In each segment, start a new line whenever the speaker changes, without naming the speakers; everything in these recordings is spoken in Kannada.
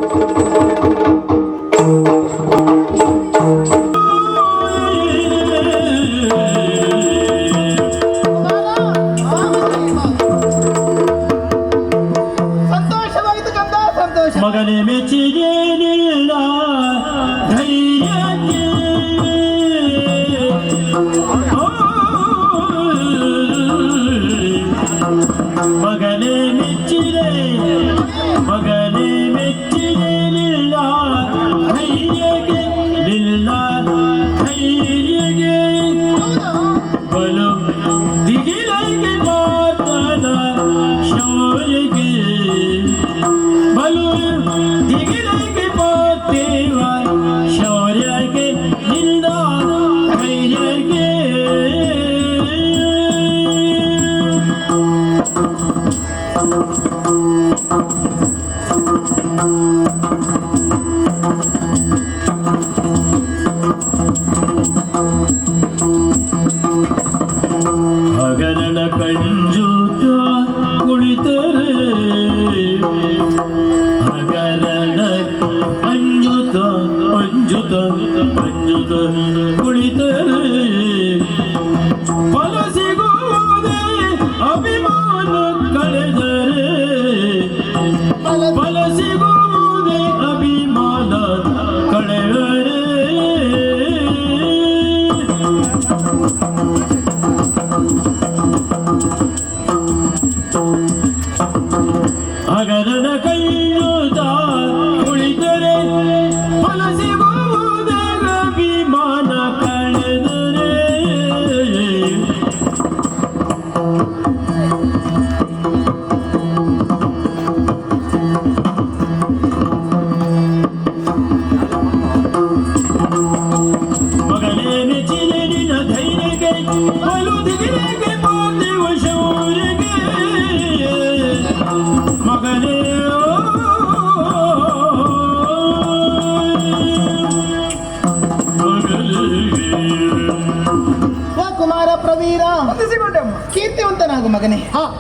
ಮಗನೇ ಮೆಚ್ಚಿಗೇನಿಲ್ಲ ಧೈರ್ಯಕ್ಕೆ ಮಗನೇ ಮೆಚ್ಚಿದೆ ಮಗನೇ ಮೆಚ್ಚಿಗೇನಿಲ್ಲ ಧೈರ್ಯಕ್ಕೆ ನಿಲ್ಲ ಧೈರ್ಯಗೆ ಬಲು ದಿಗಿಲಗೆ ಮಾತನ ಶೌರ್ಯಗೆ ಬಲು ದಿಗಿಲಗೆ ಪಾರ್ಥಿವ ಶೌರ್ಯಗೆ ನಿಲ್ಲ ಧೈರ್ಯಗೆ ಹಗರಣ ಕಂಜೂತ ಕುಳಿತರೆ ಹಗರಣ ಅಂಜುತ ಅಂಜುತ ಅಂಜುತ ಕುಳಿತರೆ ಫಲ ಸಿಗುವುದೇ ಅಭಿಮಾನ ಕಳೆದರೆ ಫಲ ಸಿಗುವುದೇ ಅಭಿಮಾನ ಕಳೆದರೆ ಹಗರಣ ಕೈಯೂತ ಕುಳಿತರೆ ಫಲ ಸಿಗುವುದೇ ಅಭಿಮಾನ ಕಳೆದರೆ ಮಗನೇ ಮೆಚ್ಚಿದೆ ನಿನ್ನ ಧೈರ್ಯಕ್ಕೆ ಬಲು ದಿಗಿಲೆಗೆ ಪಾರ್ಥಿವ ಶೌರ್ಯಗೆ ಮಗನೇ
ಕುಮಾರ ಪ್ರವೀರ ಕೀರ್ತಿವಂತನಾಗು ಮಗನೇ.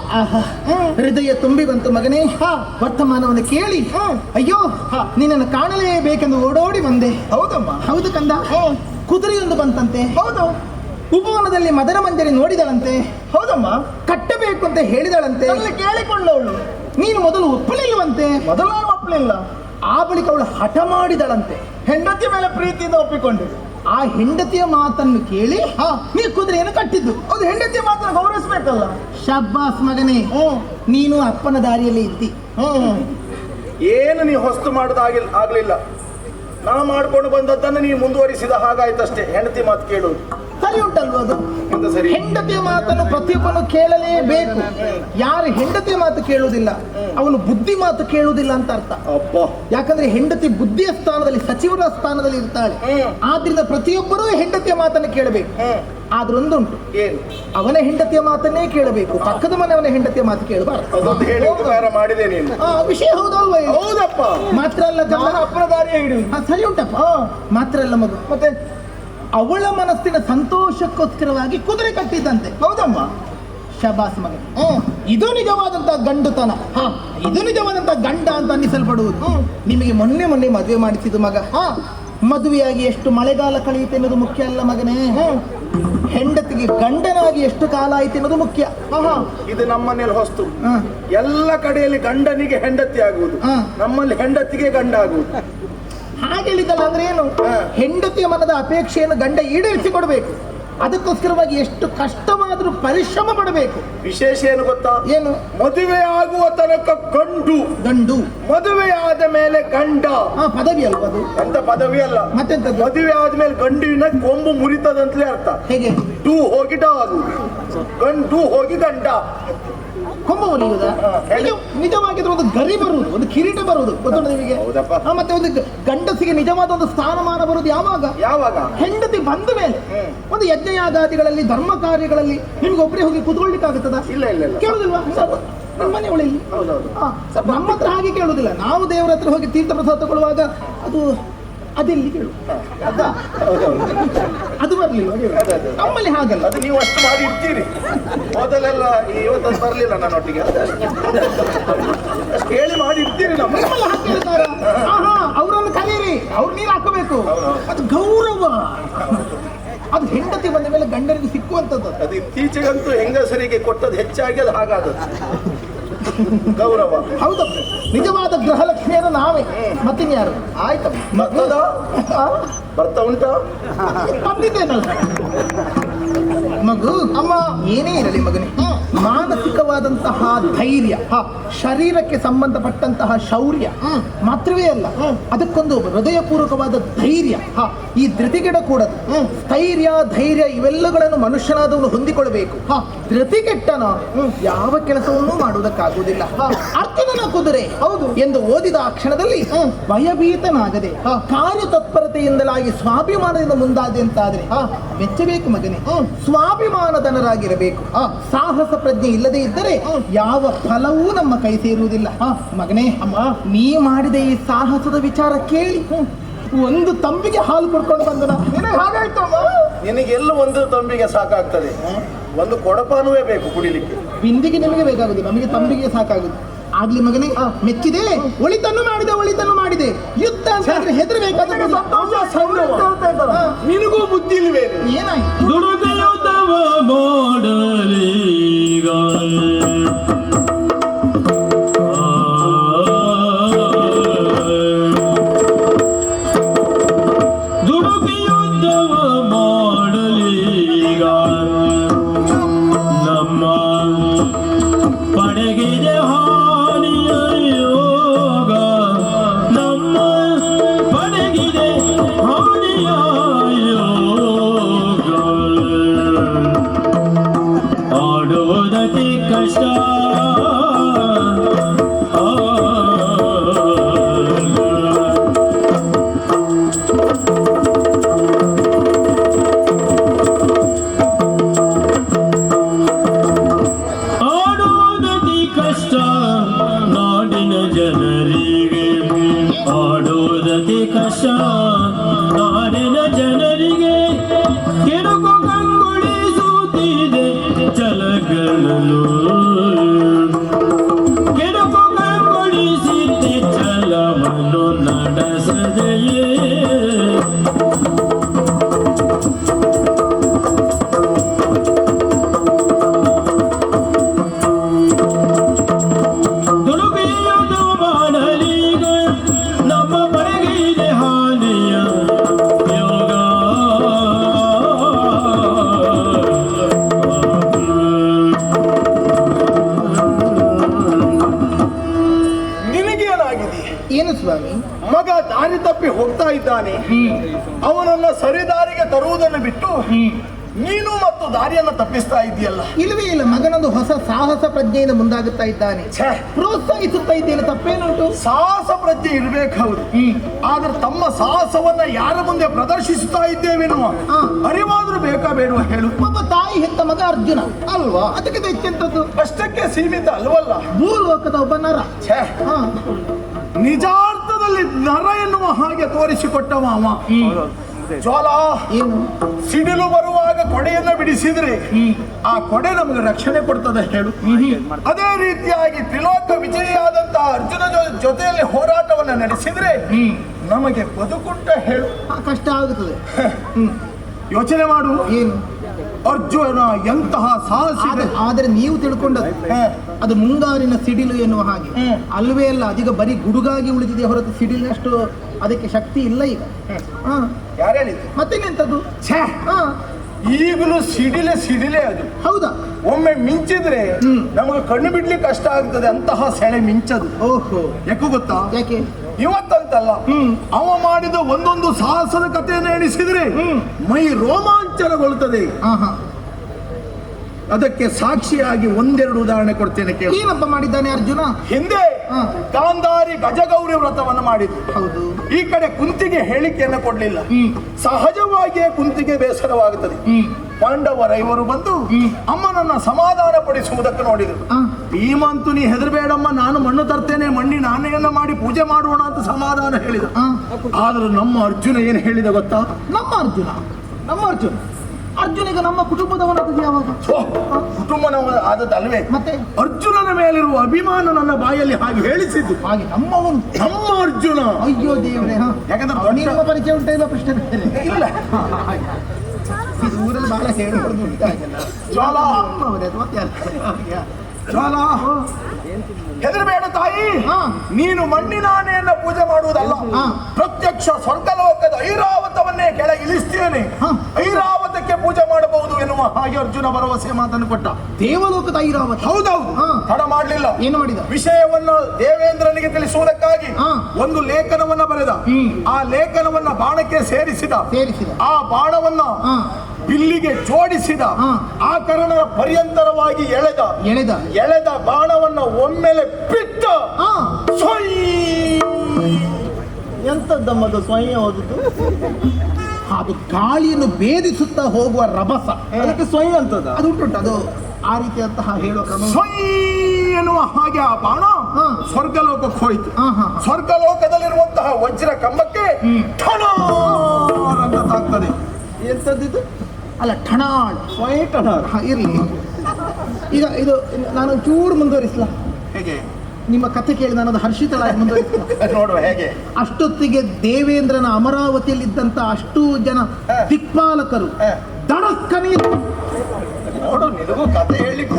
ಹೃದಯ ತುಂಬಿ ಬಂತು ಮಗನೇ. ವರ್ತಮಾನವನ್ನು ಕೇಳಿ ಅಯ್ಯೋ ನಿನ್ನನ್ನು ಕಾಣಲೇಬೇಕೆಂದು ಓಡೋಡಿ ಬಂದೆ.
ಹೌದಮ್ಮ.
ಹೌದು ಕಂದ. ಕುದುರೆಯೊಂದು ಬಂತಂತೆ.
ಹೌದು.
ಉಪವನದಲ್ಲಿ ಮದರ ಮಂಜರಿ ನೋಡಿದಳಂತೆ.
ಹೌದಮ್ಮ.
ಕಟ್ಟಬೇಕು ಅಂತ ಹೇಳಿದಳಂತೆ.
ಕೇಳಿಕೊಳ್ಳವಳು.
ನೀನು ಮೊದಲು ಒಪ್ಪಲಿಲ್ಲವಂತೆ.
ಮೊದಲು ನಾನು ಒಪ್ಪಲಿಲ್ಲ.
ಆ ಬಳಿಕ ಅವಳು ಹಠ ಮಾಡಿದಳಂತೆ.
ಹೆಂಡತಿ ಮೇಲೆ ಪ್ರೀತಿಯಿಂದ ಒಪ್ಪಿಕೊಂಡೆ.
ಆ ಹೆಂಡತಿಯ ಮಾತನ್ನು ಕೇಳಿ ನೀ ಕುದುರೆಯನ್ನು ಕಟ್ಟಿದ್ದು.
ಅದು ಹೆಂಡತಿಯ ಮಾತನ್ನು ಗೌರವಿಸ್ಬೇಕಲ್ಲ.
ಶಬ್ಬಾಸ್ ಮಗನೇ. ನೀನು ಅಪ್ಪನ ದಾರಿಯಲ್ಲಿ ಇದ್ದಿ.
ಏನು ನೀ ಹೊಸ್ತು ಆಗ್ಲಿಲ್ಲ. ನಾ ಮಾಡ್ಕೊಂಡು ಬಂದದ್ದನ್ನು ನೀ ಮುಂದುವರಿಸಿದ ಹಾಗಾಯ್ತಷ್ಟೇ. ಹೆಂಡತಿ ಮಾತು ಕೇಳುವುದು
ಸರಿ ಉಂಟಲ್ವ? ಅದು
ಎಂತ ಸರಿ?
ಹೆಂಡತಿಯ ಮಾತನ್ನು ಪ್ರತಿಯೊಬ್ಬನು ಕೇಳಲೇಬೇಕು. ಯಾರು ಹೆಂಡತಿಯ ಮಾತು ಕೇಳುವುದಿಲ್ಲ ಅವನು ಬುದ್ಧಿ ಮಾತು ಕೇಳುವುದಿಲ್ಲ ಅಂತ ಅರ್ಥ. ಯಾಕಂದ್ರೆ ಹೆಂಡತಿ ಬುದ್ಧಿಯ ಸ್ಥಾನದಲ್ಲಿ, ಸಚಿವರ ಸ್ಥಾನದಲ್ಲಿ ಇರ್ತಾಳೆ. ಆದ್ರಿಂದ ಪ್ರತಿಯೊಬ್ಬರೂ ಹೆಂಡತಿಯ ಮಾತನ್ನು ಕೇಳಬೇಕು. ಆದ್ರೆ ಒಂದುಂಟು, ಅವನ ಹೆಂಡತಿಯ ಮಾತನ್ನೇ ಕೇಳಬೇಕು, ಪಕ್ಕದ ಮನೆಯವನ ಹೆಂಡತಿಯ ಮಾತು ಕೇಳಬಾರದು.
ಮಾಡಿದೆ ನೀನು.
ವಿಷಯ ಹೌದಲ್ವ?
ಹೌದಪ್ಪ.
ಮಾತ್ರ ಅಲ್ಲ
ಅಪ್ಪನ ದಾರಿಯ ಹಿಡಿದು.
ಸರಿ ಉಂಟಪ್ಪ. ಮಾತ್ರ ಅಲ್ಲ ಮಗು,
ಮತ್ತೆ
ಅವಳ ಮನಸ್ಸಿನ ಸಂತೋಷಕ್ಕೋಸ್ಕರವಾಗಿ ಕುದುರೆ ಕಟ್ಟಿದ್ದಂತೆ.
ಹೌದಮ್ಮ.
ಶಬಾಸ್ ಮಗ. ಇದು ನಿಜವಾದಂತ ಗಂಡುತನ. ಇದು ನಿಜವಾದಂತ ಗಂಡ ಅಂತ ಅನ್ನಿಸಲ್ಪಡುವುದು. ನಿಮಗೆ ಮೊನ್ನೆ ಮದುವೆ ಮಾಡಿಸಿದ್ದು ಮಗ. ಮದುವೆಯಾಗಿ ಎಷ್ಟು ಮಳೆಗಾಲ ಕಳೆಯುತ್ತೆ ಅನ್ನೋದು ಮುಖ್ಯ ಅಲ್ಲ ಮಗನೇ. ಹೆಂಡತಿಗೆ ಗಂಡನಾಗಿ ಎಷ್ಟು ಕಾಲ ಆಯ್ತು ಅನ್ನೋದು ಮುಖ್ಯ.
ಇದು ನಮ್ಮನೇಲಿ ಹೊಸ್ತು. ಎಲ್ಲ ಕಡೆಯಲ್ಲಿ ಗಂಡನಿಗೆ ಹೆಂಡತಿ ಆಗುವುದು, ನಮ್ಮಲ್ಲಿ ಹೆಂಡತಿಗೆ ಗಂಡ ಆಗುವುದು.
ಹಾಗೆ ಹೇಳಿದಲ್ಲ ಅಂದ್ರೆ ಏನು? ಹೆಂಡತಿಯ ಮನದ ಅಪೇಕ್ಷೆಯನ್ನು ಗಂಡ ಈಡೇರಿಸಿ ಕೊಡಬೇಕು. ಅದಕ್ಕೋಸ್ಕರವಾಗಿ ಎಷ್ಟು ಕಷ್ಟವಾದರೂ ಪರಿಶ್ರಮ ಪಡಬೇಕು.
ವಿಶೇಷ ಏನು ಗೊತ್ತಾ?
ಏನು?
ಮದುವೆ ಆಗುವ ತನಕ ಗಂಡು, ಮದುವೆ ಆದ ಮೇಲೆ ಗಂಡ.
ಪದವಿ ಅಲ್ವ ಅದು?
ಎಂತ ಪದವಿ ಅಲ್ಲ,
ಮತ್ತೆಂತ?
ಮದುವೆ ಆದ್ಮೇಲೆ ಗಂಡಿನ ಕೊಂಬು ಮುರಿತದಂತಲೇ ಅರ್ಥ.
ಹೇಗೆ?
ಡೂ ಹೋಗಿ ಡಾಗು, ಗಂಡು ಹೋಗಿ ಗಂಡ.
ಕೊಂಬ ಮುರಿಯುವುದ? ನಿಜವಾಗಿದ್ರೆ ಒಂದು ಗರಿ ಬರುವುದು, ಒಂದು ಕಿರೀಟ ಬರುವುದು ಗೊತ್ತುಂಟು ನಿಮಗೆ? ಮತ್ತೆ ಒಂದು ಗಂಡಸಿಗೆ ನಿಜವಾದ ಒಂದು ಸ್ಥಾನಮಾನ ಬರುವುದು ಯಾವಾಗ? ಹೆಂಡತಿ ಬಂದ ಮೇಲೆ. ಒಂದು ಯಜ್ಞಯಾಗಾದಿಗಳಲ್ಲಿ, ಧರ್ಮ ಕಾರ್ಯಗಳಲ್ಲಿ ನಿಮ್ಗೆ ಒಬ್ಬರೇ ಹೋಗಿ ಕುತ್ಕೊಳ್ಲಿಕ್ಕೆ ಆಗುತ್ತದ?
ಇಲ್ಲ.
ಕೇಳುದಿಲ್ವಾ? ಮನೆ ಒಳಗೆ ನಮ್ಮ ಹತ್ರ ಹಾಗೆ ಕೇಳುದಿಲ್ಲ. ನಾವು ದೇವರ ಹತ್ರ ಹೋಗಿ ತೀರ್ಥ ಪ್ರಸಾದ ತಗೊಳ್ಳುವಾಗ ಅದೆಲ್ಲಿ ಕೇಳು, ಅದು ಬರ್ಲಿಲ್ಲ. ನಮ್ಮಲ್ಲಿ ಹಾಗಲ್ಲ.
ಅದು ನೀವು ಅಷ್ಟು ಮಾಡಿ ಇಡ್ತೀರಿ. ಮೊದಲೆಲ್ಲ ಇವತ್ತು ಬರಲಿಲ್ಲ ನನ್ನೊಟ್ಟಿಗೆ, ಅಷ್ಟು ಹೇಳಿ ಮಾಡಿ ಇಡ್ತೀರಿ.
ನಮ್ಮಲ್ಲಿ ಹಾಗೆ ಹೇಳ್ತಾರ. ಬೇಕು. ಅದು ಗೌರವ. ಅದು ಹೆಂಡತಿ ಬಂದ ಮೇಲೆ ಗಂಡನಿಗೆ ಸಿಕ್ಕುವಂಥದ್ದು.
ಅದು ಇತ್ತೀಚೆಗಂತೂ ಹೆಂಗಸರಿಗೆ ಕೊಟ್ಟದ್ದು ಹೆಚ್ಚಾಗಿ ಅದು ಹಾಗಾದದ್ದು ಗೌರವ.
ಹೌದು, ನಿಜವಾದ ಗೃಹಲಕ್ಷ್ಮಿಯರು ನಾವೇ, ಮತ್ತಿನ್ಯಾರು? ಆಯ್ತಮ್ಮ.
ಬರ್ತಾ ಉಂಟಾ?
ಬಂದಿದ್ದೇನಲ್ಲ ಮಗು. ಅಮ್ಮ ಏನೇ ಇರಲಿ ಮಗನೇ, ಮಾನಸಿಕವಾದಂತಹ ಧೈರ್ಯ, ಶರೀರಕ್ಕೆ ಸಂಬಂಧಪಟ್ಟಂತಹ ಶೌರ್ಯ ಮಾತ್ರವೇ ಅಲ್ಲ, ಅದಕ್ಕೊಂದು ಹೃದಯಪೂರ್ವಕವಾದ ಧೈರ್ಯ, ಈ ಧೃತಿಗೆಡಕೂಡದು. ಸ್ಥೈರ್ಯ, ಧೈರ್ಯ ಇವೆಲ್ಲಗಳನ್ನು ಮನುಷ್ಯನಾದವನು ಹೊಂದಿಕೊಳ್ಳಬೇಕು. ಧೃತಿಗೆಟ್ಟನ ಯಾವ ಕೆಲಸವನ್ನೂ ಮಾಡುವುದಕ್ಕಾಗುವುದಿಲ್ಲ. ಅರ್ಜುನನ ಕುದುರೆ ಹೌದು ಎಂದು ಓದಿದ ಆ ಕ್ಷಣದಲ್ಲಿ ಭಯಭೀತನಾಗದೆ ಕಾರ್ಯತತ್ಪರತೆಯಿಂದಲಾಗಿ ಸ್ವಾಭಿಮಾನದಿಂದ ಮುಂದಾದೆ ಅಂತಾದ್ರೆ ಮೆಚ್ಚಬೇಕು ಮಗನೇ. ಸ್ವಾಭಿಮಾನದನರಾಗಿರಬೇಕು. ಸಾಹಸ ಪ್ರಜ್ಞೆ ಇಲ್ಲದೆ ಇದ್ದರೆ ಯಾವ ಫಲವೂ ನಮ್ಮ ಕೈ ಸೇರುವುದಿಲ್ಲ. ಮಗನೇ, ಅಮ್ಮ ನೀ ಮಾಡಿದ ಈ ಸಾಹಸದ ವಿಚಾರ ಕೇಳಿ ಒಂದು ತಂಬಿಗೆ ಹಾಲು ಕೊಡ್ಕೊಂಡು ಬಂದನ. ಹಾಗಾಯ್ತು ಅಮ್ಮ.
ನಿನಗೆಲ್ಲ ಒಂದು ತಂಬಿಗೆ ಸಾಕಾಗ್ತದೆ, ಒಂದು ಕೊಡಪಾನುವೇ ಬೇಕು ಕುಡಿಲಿಕ್ಕೆ.
ಬಿಂದಿಗೆ ನಿಮಗೆ ಬೇಕಾಗುದು, ನಮಗೆ ತಂಬಿಗೆ ಸಾಕಾಗುದು. ಆಗ್ಲಿ ಮಗನೇ, ಮೆಚ್ಚಿದೆ. ಒಳಿತನ್ನು ಮಾಡಿದೆ. ಯುದ್ಧ ಅಂತ ಹೆದರಬೇಕಾದ
ನಿನಗೂ ಬುದ್ಧಿ ಇಲ್ವೇ?
ಏನಾಯ್ತು?
ದುಡುಕ ಯುದ್ಧವ ಮಾಡಲೀಗ ದುಡುಕಿ ಯುದ್ಧವ ಮಾಡಲೀಗ ನಮ್ಮ ಪಡೆಗಿದೆ ಕಷ್ಟ ಆಡೋದತಿ ಕಷ್ಟ ನಾಡಿನ ಜನರಿಗೆ, ಆಡೋದತಿ ಕಷ್ಟ ನಾಡಿನ ಜನರಿಗೆ. ಕೆಡುಕು ಕಂಗೊಳಿಸುತ್ತಿದೆ ಚಲಗಳಲು, ಕೆಡುಕು ಕಂಗೊಳಿಸಿದ್ದೆ ಚಲವನ್ನು ನಡೆಸದೆಯೇ. ದುಡುಕಿಯುವುದು ಮಾಡಲೀಗ ನಮ್ಮ ಬರೆಗೆ ಇದೆ ಹಾನಿಯ ಯೋಗ.
ಏನು ಸ್ವಾಮಿ?
ಮಗ ದಾರಿ ತಪ್ಪಿ ಹೋಗ್ತಾ ಇದ್ದಾನೆ, ಅವನನ್ನ ಸರಿದಾರಿಗೆ ತರುವುದನ್ನು ಬಿಟ್ಟು ನೀನು ಮತ್ತು ದಾರಿಯನ್ನು ತಪ್ಪಿಸ್ತಾ ಇದೆಯಲ್ಲ.
ಇಲ್ಲವೇ ಇಲ್ಲ, ಮಗನೊಂದು ಹೊಸ ಸಾಹಸ ಪ್ರಜ್ಞೆಯಿಂದ ಮುಂದಾಗುತ್ತಾ ಇದ್ದಾನೆ. ಪ್ರೋತ್ಸಾಹಿಸುತ್ತಾ ಇದ್ದೇನೆ, ತಪ್ಪೇನುಂಟು?
ಸಾಹಸ ಪ್ರಜ್ಞೆ ಇರ್ಬೇಕು, ಹೌದು. ಆದ್ರೆ ತಮ್ಮ ಸಾಹಸವನ್ನ ಯಾರ ಮುಂದೆ ಪ್ರದರ್ಶಿಸುತ್ತಾ ಇದ್ದೇವೆನ್ನುವ ಅರಿವಾದ್ರೂ ಬೇಕಾ ಬೇಡುವ ಹೇಳು?
ಒಬ್ಬ ತಾಯಿ ಹೆತ್ತ ಮಗ ಅರ್ಜುನ ಅಲ್ವಾ, ಅದಕ್ಕೆ ಹೆಚ್ಚೆಂತದ್ದು?
ಅಷ್ಟಕ್ಕೆ ಸೀಮಿತ ಅಲ್ವಲ್ಲ.
ಭೂಲೋಕದ ಒಬ್ಬ ನರ.
ನಿಜಾರ್ಥದಲ್ಲಿ ನರ ಎನ್ನುವ ಹಾಗೆ ತೋರಿಸಿಕೊಟ್ಟವ ಅವ. ಜ್ವಾಲ
ಏನು?
ಸಿಡಿಲು ಬರುವಾಗ ಕೊಡೆಯನ್ನ ಬಿಡಿಸಿದ್ರೆ ಆ ಕೊಡೆ ನಮಗೆ ರಕ್ಷಣೆ ಕೊಡ್ತದೆ ಹೇಳು. ಅದೇ ರೀತಿಯಾಗಿ ತ್ರಿಲೋಕ ವಿಜಯಿಯಾದಂತಹ ಅರ್ಜುನ ಜೊತೆಯಲ್ಲಿ ಹೋರಾಟವನ್ನ ನಡೆಸಿದ್ರೆ ನಮಗೆ ಬದುಕುಂಟ ಹೇಳು.
ಕಷ್ಟ ಆಗುತ್ತದೆ.
ಯೋಚನೆ ಮಾಡು.
ಏನು?
ಅರ್ಜುನ ಎಂತಹ ಸಾಹಸಿ.
ಆದರೆ ನೀವು ತಿಳ್ಕೊಂಡದ್ದು ಅದು ಮುಂಗಾರಿನ ಸಿಡಿಲು ಎನ್ನುವ ಹಾಗೆ ಅಲ್ವೇ ಅಲ್ಲ. ಅದೀಗ ಬರೀ ಗುಡುಗಾಗಿ ಉಳಿದಿದೆ ಹೊರತು ಸಿಡಿಲಿನಷ್ಟು ಅದಕ್ಕೆ ಶಕ್ತಿ ಇಲ್ಲ ಈಗ.
ಯಾರು ಹೇಳಿದ್ರು?
ಮತ್ತೇನೆಂತದ್ದು?
ಈಗಲೂ ಸಿಡಿಲೆ ಅದು.
ಹೌದಾ?
ಒಮ್ಮೆ ಮಿಂಚಿದ್ರೆ ನಮಗೆ ಕಣ್ಣು ಬಿಡ್ಲಿಕ್ಕೆ ಕಷ್ಟ ಆಗ್ತದೆ, ಅಂತಹ ಸೆಳೆ ಮಿಂಚದು.
ಓಹೋ,
ಯಾಕೆ ಗೊತ್ತಾ?
ಯಾಕೆ?
ಇವತ್ತಂತಲ್ಲ, ಅವ ಮಾಡಿದ ಒಂದೊಂದು ಸಾಹಸದ ಕಥೆಯನ್ನು ಎಣಿಸಿದ್ರೆ ಮೈ ರೋಮಾಂಚನಗೊಳ್ಳುತ್ತದೆ. ಅದಕ್ಕೆ ಸಾಕ್ಷಿಯಾಗಿ ಒಂದೆರಡು ಉದಾಹರಣೆ ಕೊಡ್ತೇನೆ ಕೇಳಿ.
ಏನಪ್ಪ ಮಾಡಿದ್ದಾನೆ ಅರ್ಜುನ?
ಹಿಂದೆ ಗಾಂಧಾರಿ ಗಜಗೌರಿ ವ್ರತವನ್ನು ಮಾಡಿದ್ರು.
ಹೌದು.
ಈ ಕಡೆ ಕುಂತಿಗೆ ಹೇಳಿಕೆಯನ್ನು ಕೊಡ್ಲಿಲ್ಲ. ಸಹಜವಾಗಿಯೇ ಕುಂತಿಗೆ ಬೇಸರವಾಗುತ್ತದೆ. ಪಾಂಡವರ ಇವರು ಬಂದು ಅಮ್ಮನನ್ನ ಸಮಾಧಾನ ಪಡಿಸುವುದಕ್ಕೆ ನೋಡಿದ್ರು. ಭೀಮಂತು ನೀ ಹೆದರಬೇಡಮ್ಮ, ನಾನು ಮಣ್ಣು ತರ್ತೇನೆ, ಮಣ್ಣಿನ ಆನೆಯನ್ನ ಮಾಡಿ ಪೂಜೆ ಮಾಡೋಣ ಅಂತ ಸಮಾಧಾನ ಹೇಳಿದ. ಆದ್ರೆ ನಮ್ಮ ಅರ್ಜುನ ಏನು ಹೇಳಿದ ಗೊತ್ತಾ?
ನಮ್ಮ ಅರ್ಜುನ ಅರ್ಜುನಿಗೆ ನಮ್ಮ ಕುಟುಂಬದವನದ್ದು ಯಾವಾಗ?
ಕುಟುಂಬನವ ಆದದ್ದಲ್ವೇ?
ಮತ್ತೆ
ಅರ್ಜುನನ ಮೇಲಿರುವ ಅಭಿಮಾನ ನನ್ನ ಬಾಯಲ್ಲಿ ಹಾಗೆ ಹೇಳಿಸಿದ್ದು.
ಹಾಗೆ ನಮ್ಮವನು
ನಮ್ಮ ಅರ್ಜುನ.
ಅಯ್ಯೋ ದೇವ್ರೆ.
ಯಾಕಂದ್ರೆ
ನಿಮ್ಮ ಪರಿಚಯ ಉಂಟ ಇಲ್ಲ ಪ್ರಶ್ನೆ
ಇಲ್ಲ.
ಇದು ಊರಲ್ಲಿ ಬಹಳ ಹೇಳ್ಕೊಡ್ದು ಉಂಟು ಹಾಗೆಲ್ಲ.
ಜ್ವಾಲ
ನಮ್ಮವನೇ ಅದು ಮತ್ತೆ ಯಾರು?
ಜ್ವಾಲ ಹೆದರಬೇಡ ತಾಯಿ.
ಹಾ.
ನೀನು ಮಣ್ಣಿನ ಆನೆಯನ್ನ ಪೂಜೆ ಮಾಡುವುದಲ್ಲ,
ಹಾ.
ಪ್ರತ್ಯಕ್ಷ ಸ್ವರ್ಗಲೋಕದ ಐರಾವತವನ್ನೇ ಕೆಳಗೆ ಇಳಿಸ್ತೇನೆ.
ಹಾ.
ಐರಾವತಕ್ಕೆ ಪೂಜೆ ಮಾಡಬಹುದು ಎನ್ನುವ ಹಾಗೆ ಅರ್ಜುನ ಭರವಸೆ ಮಾತನ್ನು ಕೊಟ್ಟ.
ದೇವಲೋಕದ ಐರಾವತ.
ಹೌದೌದು.
ಹಾ.
ತಡ ಮಾಡಲಿಲ್ಲ.
ಏನು ಮಾಡಿದ?
ವಿಷಯವನ್ನು ದೇವೇಂದ್ರನಿಗೆ ತಿಳಿಸುವುದಕ್ಕಾಗಿ
ಹಾ.
ಒಂದು ಲೇಖನವನ್ನ ಬರೆದ.
ಆ
ಲೇಖನವನ್ನ ಬಾಣಕ್ಕೆ ಸೇರಿಸಿದ.
ಆ
ಬಾಣವನ್ನ ಬಿಲ್ಲಿಗೆ ಜೋಡಿಸಿದ. ಆ ಕಾರಣ ಪರ್ಯಂತರವಾಗಿ ಎಳೆದ ಬಾಣವನ್ನ ಒಮ್ಮೆಲೆ ಬಿಟ್ಟ.
ಎಂತದ್ದಮ್ಮದು ಸ್ವಯಂ ಓದುದು?
ಅದು ಗಾಳಿಯನ್ನು ಭೇದಿಸುತ್ತಾ ಹೋಗುವ ರಭಸ,
ಅದಕ್ಕೆ ಸ್ವಯಂ ಅಂತದ
ಅದು ಉಂಟು. ಅದು ಆ ರೀತಿಯಂತಹ ಹೇಳುವ ಕ್ರಮ
ಎನ್ನುವ ಹಾಗೆ ಆ ಬಾಣ ಸ್ವರ್ಗಲೋಕಕ್ಕೆ ಹೋಯಿತು. ಸ್ವರ್ಗಲೋಕದಲ್ಲಿರುವಂತಹ ವಜ್ರ ಕಂಬಕ್ಕೆ ಅಂತ ತಾಗ್ತದೆ.
ಎಂತದ್ದು?
ಅಲ್ಲ, ಠಣಾಳ್
ಸ್ವಯಂ ಟಣಾಳ್
ಇರ್ಲಿ. ಈಗ ಇದು ನಾನು ಚೂರು ಮುಂದುವರಿಸ್ಲಾ?
ಹೇಗೆ?
ನಿಮ್ಮ ಕಥೆ ಕೇಳಿ ನಾನು ಅದು ಹರ್ಷಿತಳಾಗಿ ಮುಂದುವರಿಸ್ಲಾ?
ನೋಡುವ ಹೇಗೆ.
ಅಷ್ಟೊತ್ತಿಗೆ ದೇವೇಂದ್ರನ ಅಮರಾವತಿಯಲ್ಲಿದ್ದಂತ ಅಷ್ಟು ಜನ ದಿಕ್ಪಾಲಕರು ದಡಕ್ಕನೆ
ನೋಡು, ನಿನಗೂ ಕಥೆ ಹೇಳಲಿಕ್ಕೆ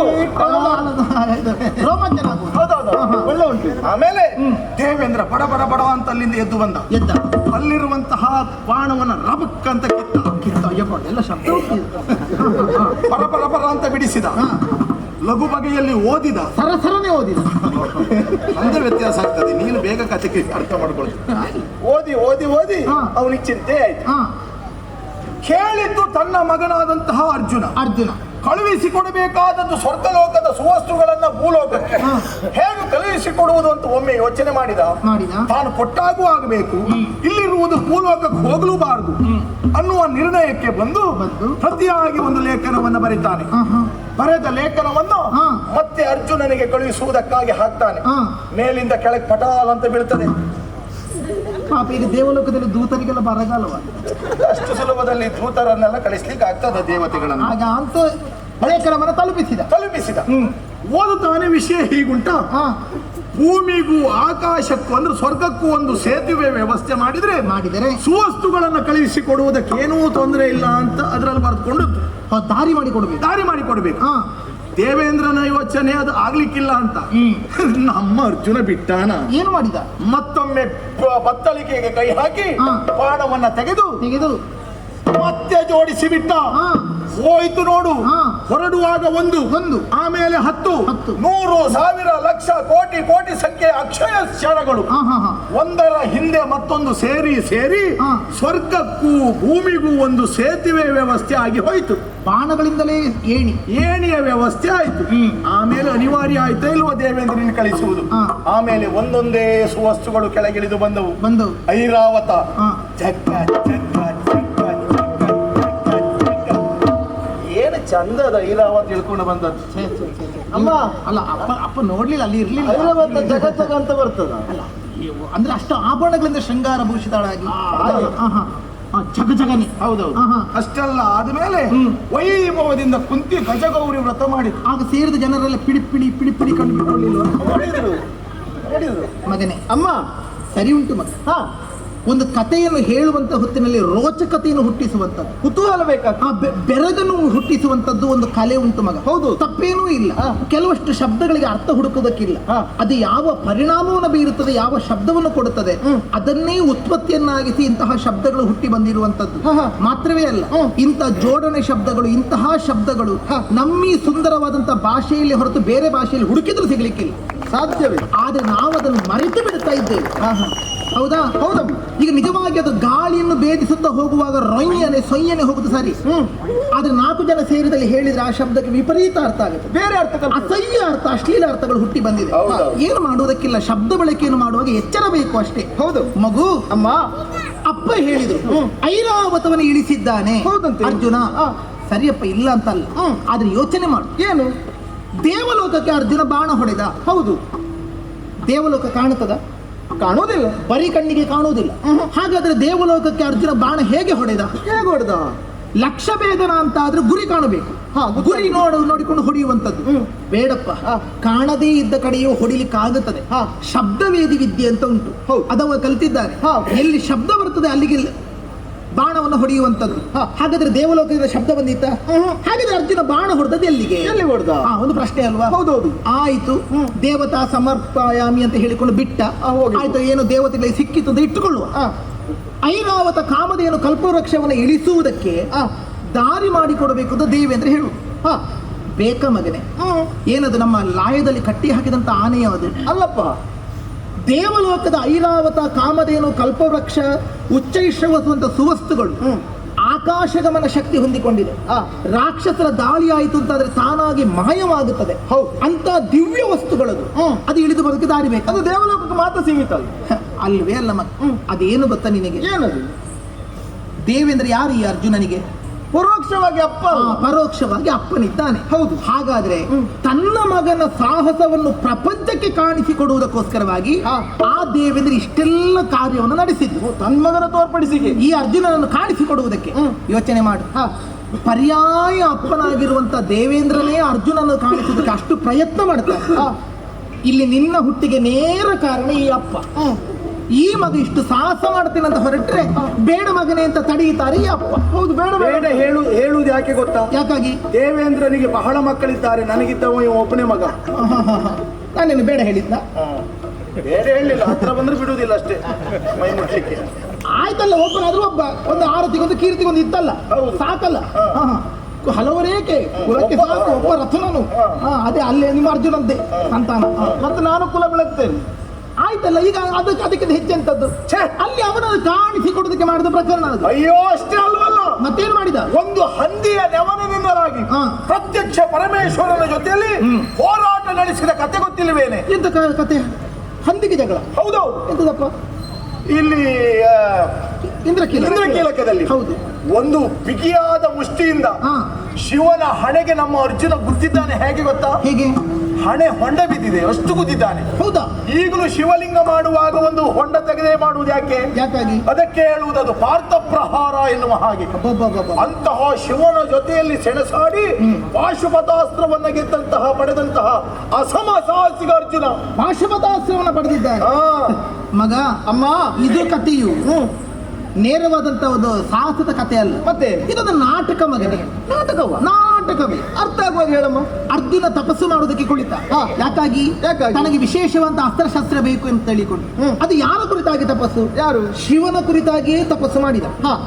ರೋಮಾಂಚನ ಒಳ್ಳೆ ಉಂಟು.
ಆಮೇಲೆ ದೇವೇಂದ್ರ ಬಡ ಬಡ ಬಡ ಅಂತ ಅಲ್ಲಿಂದ ಎದ್ದು ಬಂದ. ಅಲ್ಲಿರುವಂತಹ ಬಾಣವನ್ನ ರಬಕ್ ಅಂತ ಕಿತ್ತ
ಎಲ್ಲ ಶಬ್ದ
ಪರ ಪರ ಪರ ಅಂತ ಬಿಡಿಸಿದ. ಲಘು ಬಗೆಯಲ್ಲಿ ಓದಿದ,
ಸರಸರನೆ ಓದಿದ.
ಒಂದೇ ವ್ಯತ್ಯಾಸ ಆಗ್ತದೆ, ನೀನು ಬೇಗ ಕಥೆಗೆ ಅರ್ಥ ಮಾಡ್ಕೊಳ್ಳಿ. ಓದಿ ಓದಿ ಓದಿ ಅವನಿಗೆ ಚಿಂತೆ ಆಯ್ತು. ಕೇಳಿದ್ದು ತನ್ನ ಮಗನಾದಂತಹ ಅರ್ಜುನ ಕಳುಹಿಸಿಕೊಡಬೇಕಾದದ್ದು ಸ್ವರ್ಗಲೋಕದ ಸುವಸ್ತುಗಳನ್ನ ಭೂಲೋಕಕ್ಕೆ ಹೇಗೆ ಕಳುಹಿಸಿಕೊಡುವುದು ಅಂತ ಒಮ್ಮೆ ಯೋಚನೆ ಮಾಡಿದ. ತಾನು ಕೊಟ್ಟಾಗೂ ಆಗಬೇಕು, ಇಲ್ಲಿರುವುದು ಭೂಲೋಕಕ್ಕೆ ಹೋಗಲೂಬಾರದು ಅನ್ನುವ ನಿರ್ಣಯಕ್ಕೆ ಬಂದು ಪ್ರತಿಯಾಗಿ ಒಂದು ಲೇಖನವನ್ನು ಬರೀತಾನೆ. ಬರೆದ ಲೇಖನವನ್ನು ಮತ್ತೆ ಅರ್ಜುನನಿಗೆ ಕಳುಹಿಸುವುದಕ್ಕಾಗಿ ಹಾಕ್ತಾನೆ. ಮೇಲಿಂದ ಕೆಳಗೆ ಪಟಾಲ್ ಅಂತ ಬೀಳ್ತದೆ.
ಪಾಪ, ಈಗ ದೇವಲೋಕದಲ್ಲಿ ದೂತರಿಗೆಲ್ಲ ಬರಗಾಲವ.
ಅಷ್ಟು ಸುಲಭದಲ್ಲಿ ದೂತರನ್ನೆಲ್ಲ ಕಳಿಸ್ಲಿಕ್ಕೆ ಆಗ್ತದ ದೇವತೆಗಳನ್ನು?
ಆಗ ಅಂತ ಲೇಖನವನ್ನು ತಲುಪಿಸಿದ.
ಓದುತ್ತಾನೆ. ವಿಷಯ ಹೀಗುಂಟ. ಭೂಮಿಗೂ ಆಕಾಶಕ್ಕೂ ಅಂದ್ರೆ ಸ್ವರ್ಗಕ್ಕೂ ಒಂದು ಸೇತುವೆ ವ್ಯವಸ್ಥೆ ಮಾಡಿದರೆ ಸುವಸ್ತುಗಳನ್ನು ಕಳುಹಿಸಿಕೊಡುವುದಕ್ಕೆ ಏನೂ ತೊಂದರೆ ಇಲ್ಲ ಅಂತ ಅದರಲ್ಲಿ ಬರೆದುಕೊಂಡು
ದಾರಿ ಮಾಡಿಕೊಡ್ಬೇಕು.
ದೇವೇಂದ್ರನ ಯೋಚನೆ ಅದು ಆಗ್ಲಿಕ್ಕಿಲ್ಲ ಅಂತ ನಮ್ಮ ಅರ್ಜುನ ಬಿಟ್ಟಾನ.
ಏನು ಮಾಡಿದ?
ಮತ್ತೊಮ್ಮೆ ಬತ್ತಳಿಕೆಗೆ ಕೈ ಹಾಕಿ ಬಾಣವನ್ನ ತೆಗೆದು ಮತ್ತೆ ಜೋಡಿಸಿ ಬಿಟ್ಟ. ಹೋಯ್ತು ನೋಡು. ಹೊರಡುವಾಗ ಒಂದು, ಆಮೇಲೆ 10, 100, 1000, ಲಕ್ಷ, ಕೋಟಿ ಸಂಖ್ಯೆ ಅಕ್ಷಯ ಕ್ಷಣಗಳು ಒಂದರ ಹಿಂದೆ ಮತ್ತೊಂದು ಸೇರಿ ಸ್ವರ್ಗಕ್ಕೂ ಭೂಮಿಗೂ ಒಂದು ಸೇತುವೆ ವ್ಯವಸ್ಥೆ ಆಗಿ ಹೋಯ್ತು.
ಬಾಣಗಳಿಂದಲೇ
ಏಣಿಯ ವ್ಯವಸ್ಥೆ ಆಯ್ತು. ಆಮೇಲೆ ಅನಿವಾರ್ಯ ಆಯ್ತಾ ಇಲ್ವಾ ದೇವೇಂದ್ರನ ಕಳಿಸುವುದು? ಆಮೇಲೆ ಒಂದೊಂದೇ ಸುವಸ್ತುಗಳು ಕೆಳಗಿಳಿದು ಬಂದವು. ಐರಾವತ ಏನು ಚಂದದ ಐರಾವತ ತಿಳ್ಕೊಂಡು ಬಂದದ್ದು.
ಅಮ್ಮ ಅಲ್ಲ, ಅಪ್ಪ ನೋಡ್ಲಿಲ್ಲ, ಅಲ್ಲಿ ಇರ್ಲಿಲ್ಲ.
ಐರಾವತ ಜಗತ್ತಗ ಅಂತ ಬರ್ತದ.
ಅಲ್ಲ ಅಂದ್ರೆ ಅಷ್ಟು ಆಭರಣಗಳಿಂದ ಶೃಂಗಾರ ಭೂಷಿತಳಾಗಿ ಜಗಜಗನಿ.
ಹೌದೌದು. ಅಷ್ಟೆಲ್ಲ ಆದ್ಮೇಲೆ ವೈಭವದಿಂದ ಕುಂತಿ ಗಜಗೌರಿ ವ್ರತ ಮಾಡಿದ್ರು.
ಆಗ ಸೇರಿದ ಜನರೆಲ್ಲ ಪಿಡಿ ಕಂಡು ಬಿಟ್ಕೊಳ್ಳಿಲ್ವ?
ನೋಡಿದ್ರು
ಮಗನೇ. ಅಮ್ಮ ಸರಿ ಉಂಟು ಮಗ. ಒಂದು ಕಥೆಯನ್ನು ಹೇಳುವಂತ ಹೊತ್ತಿನಲ್ಲಿ ರೋಚಕತೆಯನ್ನು ಹುಟ್ಟಿಸುವಂತದ್ದು,
ಕುತೂಹಲ ಬೇಕಾಗ್ತದೆ,
ಬೆರಗನ್ನು ಹುಟ್ಟಿಸುವಂತದ್ದು ಒಂದು ಕಲೆ ಉಂಟು ಮಗ.
ಹೌದು,
ತಪ್ಪೇನೂ ಇಲ್ಲ. ಕೆಲವಷ್ಟು ಶಬ್ದಗಳಿಗೆ ಅರ್ಥ ಹುಡುಕೋದಕ್ಕಿಲ್ಲ. ಅದು ಯಾವ ಪರಿಣಾಮವನ್ನು ಬೀರುತ್ತದೆ, ಯಾವ ಶಬ್ದವನ್ನು ಕೊಡುತ್ತದೆ, ಅದನ್ನೇ ಉತ್ಪತ್ತಿಯನ್ನಾಗಿಸಿ ಇಂತಹ ಶಬ್ದಗಳು ಹುಟ್ಟಿ ಬಂದಿರುವಂತದ್ದು ಮಾತ್ರವೇ ಅಲ್ಲ. ಇಂಥ ಜೋಡಣೆ ಶಬ್ದಗಳು, ಇಂತಹ ಶಬ್ದಗಳು ನಮ್ಮೀ ಸುಂದರವಾದಂತಹ ಭಾಷೆಯಲ್ಲಿ ಹೊರತು ಬೇರೆ ಭಾಷೆಯಲ್ಲಿ ಹುಡುಕಿದ್ರು ಸಿಗ್ಲಿಕ್ಕಿಲ್ಲ,
ಸಾಧ್ಯವೇ.
ಆದ್ರೆ ನಾವು ಅದನ್ನು ಮರೆತು ಬಿಡ್ತಾ ಇದ್ದೇವೆ. ಹೌದಾ? ಹೌದಮ್ಮ. ಈಗ ನಿಜವಾಗಿ ಅದು ಗಾಳಿಯನ್ನು ಭೇದಿಸುತ್ತಾ ಹೋಗುವಾಗ ಸೊಯ್ಯನೆ ಹೋಗುದು ಸರಿ. ಆದ್ರೆ 4 ಜನ ಸೇರಿದಲ್ಲಿ ಹೇಳಿದ್ರೆ ಆ ಶಬ್ದಕ್ಕೆ ವಿಪರೀತ ಅರ್ಥ ಆಗುತ್ತೆ, ಬೇರೆ ಅರ್ಥ, ಅಸಹ್ಯ ಅರ್ಥ, ಅಶ್ಲೀಲ ಅರ್ಥಗಳು ಹುಟ್ಟಿ ಬಂದಿದೆ. ಏನು ಮಾಡುವುದಕ್ಕಿಲ್ಲ, ಶಬ್ದ ಬಳಕೆಯನ್ನು ಮಾಡುವಾಗ ಎಚ್ಚರ ಬೇಕು ಅಷ್ಟೇ. ಹೌದು ಮಗು.
ಅಮ್ಮ,
ಅಪ್ಪ ಹೇಳಿದ್ರು ಐರಾವತವನ್ನು ಇಳಿಸಿದ್ದಾನೆ ಅರ್ಜುನ. ಸರಿಯಪ್ಪ, ಇಲ್ಲ ಅಂತಲ್ಲ. ಆದ್ರೆ ಯೋಚನೆ ಮಾಡು. ಏನು? ದೇವಲೋಕಕ್ಕೆ ಅರ್ಜುನ ಬಾಣ ಹೊಡೆದ. ಹೌದು, ದೇವಲೋಕ ಕಾಣುತ್ತದ? ಕಾಣುವುದಿಲ್ಲ, ಬರೀ ಕಣ್ಣಿಗೆ ಕಾಣುವುದಿಲ್ಲ. ಹಾಗಾದ್ರೆ ದೇವಲೋಕಕ್ಕೆ ಅರ್ಜುನ ಬಾಣ ಹೇಗೆ ಹೊಡೆದ? ಲಕ್ಷ್ಯ ಭೇದನ ಅಂತ ಆದ್ರೆ ಗುರಿ ಕಾಣಬೇಕು. ಗುರಿ ನೋಡಿಕೊಂಡು ಹೊಡೆಯುವಂತದ್ದು ಬೇಡಪ್ಪ. ಕಾಣದೇ ಇದ್ದ ಕಡೆಯೂ ಹೊಡಿಲಿಕ್ಕೆ ಆಗುತ್ತದೆ. ಶಬ್ದವೇದಿ ವಿದ್ಯೆ ಅಂತ ಉಂಟು, ಅದವ ಕಲ್ತಿದ್ದಾರೆ. ಎಲ್ಲಿ ಶಬ್ದ ಬರ್ತದೆ ಅಲ್ಲಿಗೆ ಬಾಣವನ್ನು ಹೊಡೆಯುವಂತದ್ದು. ಹಾಗಾದ್ರೆ ದೇವಲೋಕದಿಂದ ಶಬ್ದ ಬಂದಿತ್ತ? ಹಾಗಾದ್ರೆ ಅರ್ಜುನ ಬಾಣ ಹೊಡೆದದ್ದು ಎಲ್ಲಿಗೆ? ಎಲ್ಲಿ ಹೊಡೆದ? ಒಂದು ಪ್ರಶ್ನೆ ಅಲ್ವಾ? ಹೌದೌದು. ಆಯ್ತು, ದೇವತಾ ಸಮರ್ಪಯಾಮಿ ಅಂತ ಹೇಳಿಕೊಂಡು ಬಿಟ್ಟ. ಆಯ್ತು, ಏನು ದೇವತೆಗಳಿಗೆ ಸಿಕ್ಕಿತ್ತು ಅಂತ ಇಟ್ಟುಕೊಳ್ಳುವ. ಐರಾವತ ಕಾಮಧೇನು ಕಲ್ಪವೃಕ್ಷವನ್ನು ಇಳಿಸುವುದಕ್ಕೆ ದಾರಿ ಮಾಡಿಕೊಡಬೇಕು ಅಂತ ದೇವೇಂದ್ರ ಹೇಳು. ಬೇಕ ಮಗನೆ, ಏನದು ನಮ್ಮ ಲಾಯದಲ್ಲಿ ಕಟ್ಟಿ ಹಾಕಿದಂತ ಆನೆಯ ಅದು ಅಲ್ಲಪ್ಪ. ದೇವಲೋಕದ ಐರಾವತ ಕಾಮಧೇನು ಕಲ್ಪವೃಕ್ಷ ಉಚ್ಚೈಶ್ರವಸುವಂತ ಸುವಸ್ತುಗಳು ಆಕಾಶಗಮನ ಶಕ್ತಿ ಹೊಂದಿಕೊಂಡಿದೆ. ರಾಕ್ಷಸರ ದಾಳಿ ಆಯಿತು ಅಂತಾದ್ರೆ ತಾನಾಗಿ ಮಾಯವಾಗುತ್ತದೆ. ಅಂತ ದಿವ್ಯ ವಸ್ತುಗಳದು. ಅದು ಇಳಿದು ಬರೋದಕ್ಕೆ ದಾರಿ ಬೇಕು. ಅದು ದೇವಲೋಕಕ್ಕೆ ಮಾತ್ರ ಸೀಮಿತ ಅಲ್ವೇ ಅಲ್ಲ ಮಗ. ಅದೇನು ಗೊತ್ತಾ ನಿನಗೆ? ಏನದು? ದೇವೇಂದ್ರ ಯಾರು ಈ ಅರ್ಜುನನಿಗೆ? ಪರೋಕ್ಷವಾಗಿ ಅಪ್ಪ. ಪರೋಕ್ಷವಾಗಿ ಅಪ್ಪನಿದ್ದಾನೆ. ಹೌದು. ಹಾಗಾದ್ರೆ ತನ್ನ ಮಗನ ಸಾಹಸವನ್ನು ಪ್ರಪಂಚಕ್ಕೆ ಕಾಣಿಸಿಕೊಡುವುದಕ್ಕೋಸ್ಕರವಾಗಿ ಆ ದೇವೇಂದ್ರ ಇಷ್ಟೆಲ್ಲ ಕಾರ್ಯವನ್ನು ನಡೆಸಿದ್ರು. ತನ್ನ ಮಗನ ತೋರ್ಪಡಿಸಿಗೆ ಈ ಅರ್ಜುನನನ್ನು ಕಾಣಿಸಿಕೊಡುವುದಕ್ಕೆ ಯೋಚನೆ ಮಾಡು. ಪರ್ಯಾಯ ಅಪ್ಪನಾಗಿರುವಂತ ದೇವೇಂದ್ರನೇ ಅರ್ಜುನನ್ನು ಕಾಣಿಸುವುದಕ್ಕೆ ಅಷ್ಟು ಪ್ರಯತ್ನ ಮಾಡ್ತಾರೆ. ಇಲ್ಲಿ ನಿನ್ನ ಹುಟ್ಟಿಗೆ ನೇರ ಕಾರಣ ಈ ಅಪ್ಪ. ಈ ಮಗ ಇಷ್ಟು ಸಾಹಸ ಮಾಡ್ತೇನೆ ಅಂತ ಹೊರಟ್ರೆ ಬೇಡ ಮಗನೇ ಅಂತ ತಡೆಯುತ್ತಾರೆ ಈ ಅಪ್ಪ. ಹೌದು, ಬೇಡ ಬೇಡ
ಹೇಳುವುದು ಯಾಕೆ ಗೊತ್ತಾ? ಯಾಕಾಗಿ? ದೇವೇಂದ್ರನಿಗೆ ಬಹಳ ಮಕ್ಕಳಿದ್ದಾರೆ, ನನಗಿದ್ದವ ಒಬ್ಬನೇ ಮಗ.
ನಾನೇನು ಬೇಡ ಹೇಳಿದ್ನ?
ಬೇಡ ಹೇಳಿಲ್ಲ, ಹತ್ರ ಬಂದ್ರೆ ಬಿಡುವುದಿಲ್ಲ ಅಷ್ಟೇ ಮೈ ಮುಟ್ಲಿಕ್ಕೆ.
ಆಯ್ತಲ್ಲ, ಒಬ್ಬನಾದ್ರೂ ಒಬ್ಬ. ಒಂದು ಆರತಿಗೊಂದು ಕೀರ್ತಿಗೊಂದು ಇತ್ತಲ್ಲ, ಸಾಕಲ್ಲ. ಹಲವರೇಕೆ ಕುಲಕ್ಕೆ ಸಾಕು ಒಬ್ಬ ರಥನನು. ಅದೇ ಅಲ್ಲೇ ನಿಮ್ಮ ಅರ್ಜುನಂತೆ ಸಂತಾನ. ಮತ್ತೆ ನಾನು ಕುಲ ಬೆಳಗ್ತೇನೆ. ಆಯ್ತಲ್ಲ, ಈಗ ಅದಕ್ಕೆ ಹೆಚ್ಚೆಂತದ್ದು? ಅಲ್ಲಿ ಅವನನ್ನು ಕಾಣಿಸಿಕೊಡೋದಕ್ಕೆ ಮಾಡಿದ ಪ್ರಕರಣ ಅದು.
ಅಯ್ಯೋ, ಅಷ್ಟೇ ಅಲ್ವಲ್ಲ,
ಮತ್ತೇನು ಮಾಡಿದ?
ಒಂದು ಹಂದಿಯ ನೆವನದಿಂದಲಾಗಿ ಪ್ರತ್ಯಕ್ಷ ಪರಮೇಶ್ವರನ ಜೊತೆಯಲ್ಲಿ ಹೋರಾಟ ನಡೆಸಿದ ಕತೆ ಗೊತ್ತಿಲ್ಲವೇನೆ?
ಎಂತ ಕತೆ? ಹಂದಿಗೆ ಜಗಳ?
ಹೌದೌದು.
ಎಂತದಪ್ಪ?
ಇಲ್ಲಿ ಇಂದ್ರಕೀಲಕದಲ್ಲಿ
ಹೌದು,
ಒಂದು ಬಿಗಿಯಾದ ಮುಷ್ಟಿಯಿಂದ ಶಿವನ ಹಣೆಗೆ ನಮ್ಮ ಅರ್ಜುನ ಗುದ್ದಿದ್ದಾನೆ. ಹೇಗೆ ಗೊತ್ತಾ? ಹೇಗೆ? ಹಣೆ ಹೊಂಡ ಬಿದ್ದಿದೆ, ಅಷ್ಟು ಗುದ್ದಿದ್ದಾನೆ. ಹೌದಾ? ಈಗಲೂ ಶಿವಲಿಂಗ ಮಾಡುವಾಗ ಒಂದು ಹೊಂಡ ತೆಗೆದೇ ಮಾಡುವುದು ಯಾಕೆ? ಯಾಕಾಗಿ? ಅದಕ್ಕೆ ಹೇಳುವುದದು ಪಾರ್ಥ ಪ್ರಹಾರ ಎನ್ನುವ ಹಾಗೆ. ಅಂತಹ ಶಿವನ ಜೊತೆಯಲ್ಲಿ ಸೆಣಸಾಡಿ ಪಾಶುಪತಾಸ್ತ್ರವನ್ನ ಗೆದ್ದಂತಹ ಪಡೆದಂತಹ ಅಸಮ ಸಾಹಸಿಗ ಅರ್ಜುನ
ಪಾಶುಪತಾಸ್ತ್ರವನ್ನ ಪಡೆದಿದ್ದಾನೆ. ಮಗ, ಅಮ್ಮ, ಇದು ಕಥೆಯು ನೇರವಾದಂತ ಒಂದು ಸಾಹಸದ ಕಥೆ ಅಲ್ಲ. ಮತ್ತೆ ಇದೊಂದು ನಾಟಕ ಮಗನೇ. ನಾಟಕವೇ. ಅರ್ಥ ಆಗುವಾಗ ಹೇಳಮ್ಮ. ಅರ್ಜುನ ತಪಸ್ಸು ಮಾಡೋದಕ್ಕೆ ಕುಳಿತ. ಯಾಕಾಗಿ? ತನಗೆ ವಿಶೇಷವಾದ ಅಸ್ತ್ರಶಸ್ತ್ರ ಬೇಕು ಅಂತ ಹೇಳಿಕೊಂಡು. ಅದು ಯಾರ ಕುರಿತಾಗಿ ತಪಸ್ಸು? ಯಾರು? ಶಿವನ ಕುರಿತಾಗಿಯೇ ತಪಸ್ಸು ಮಾಡಿದ.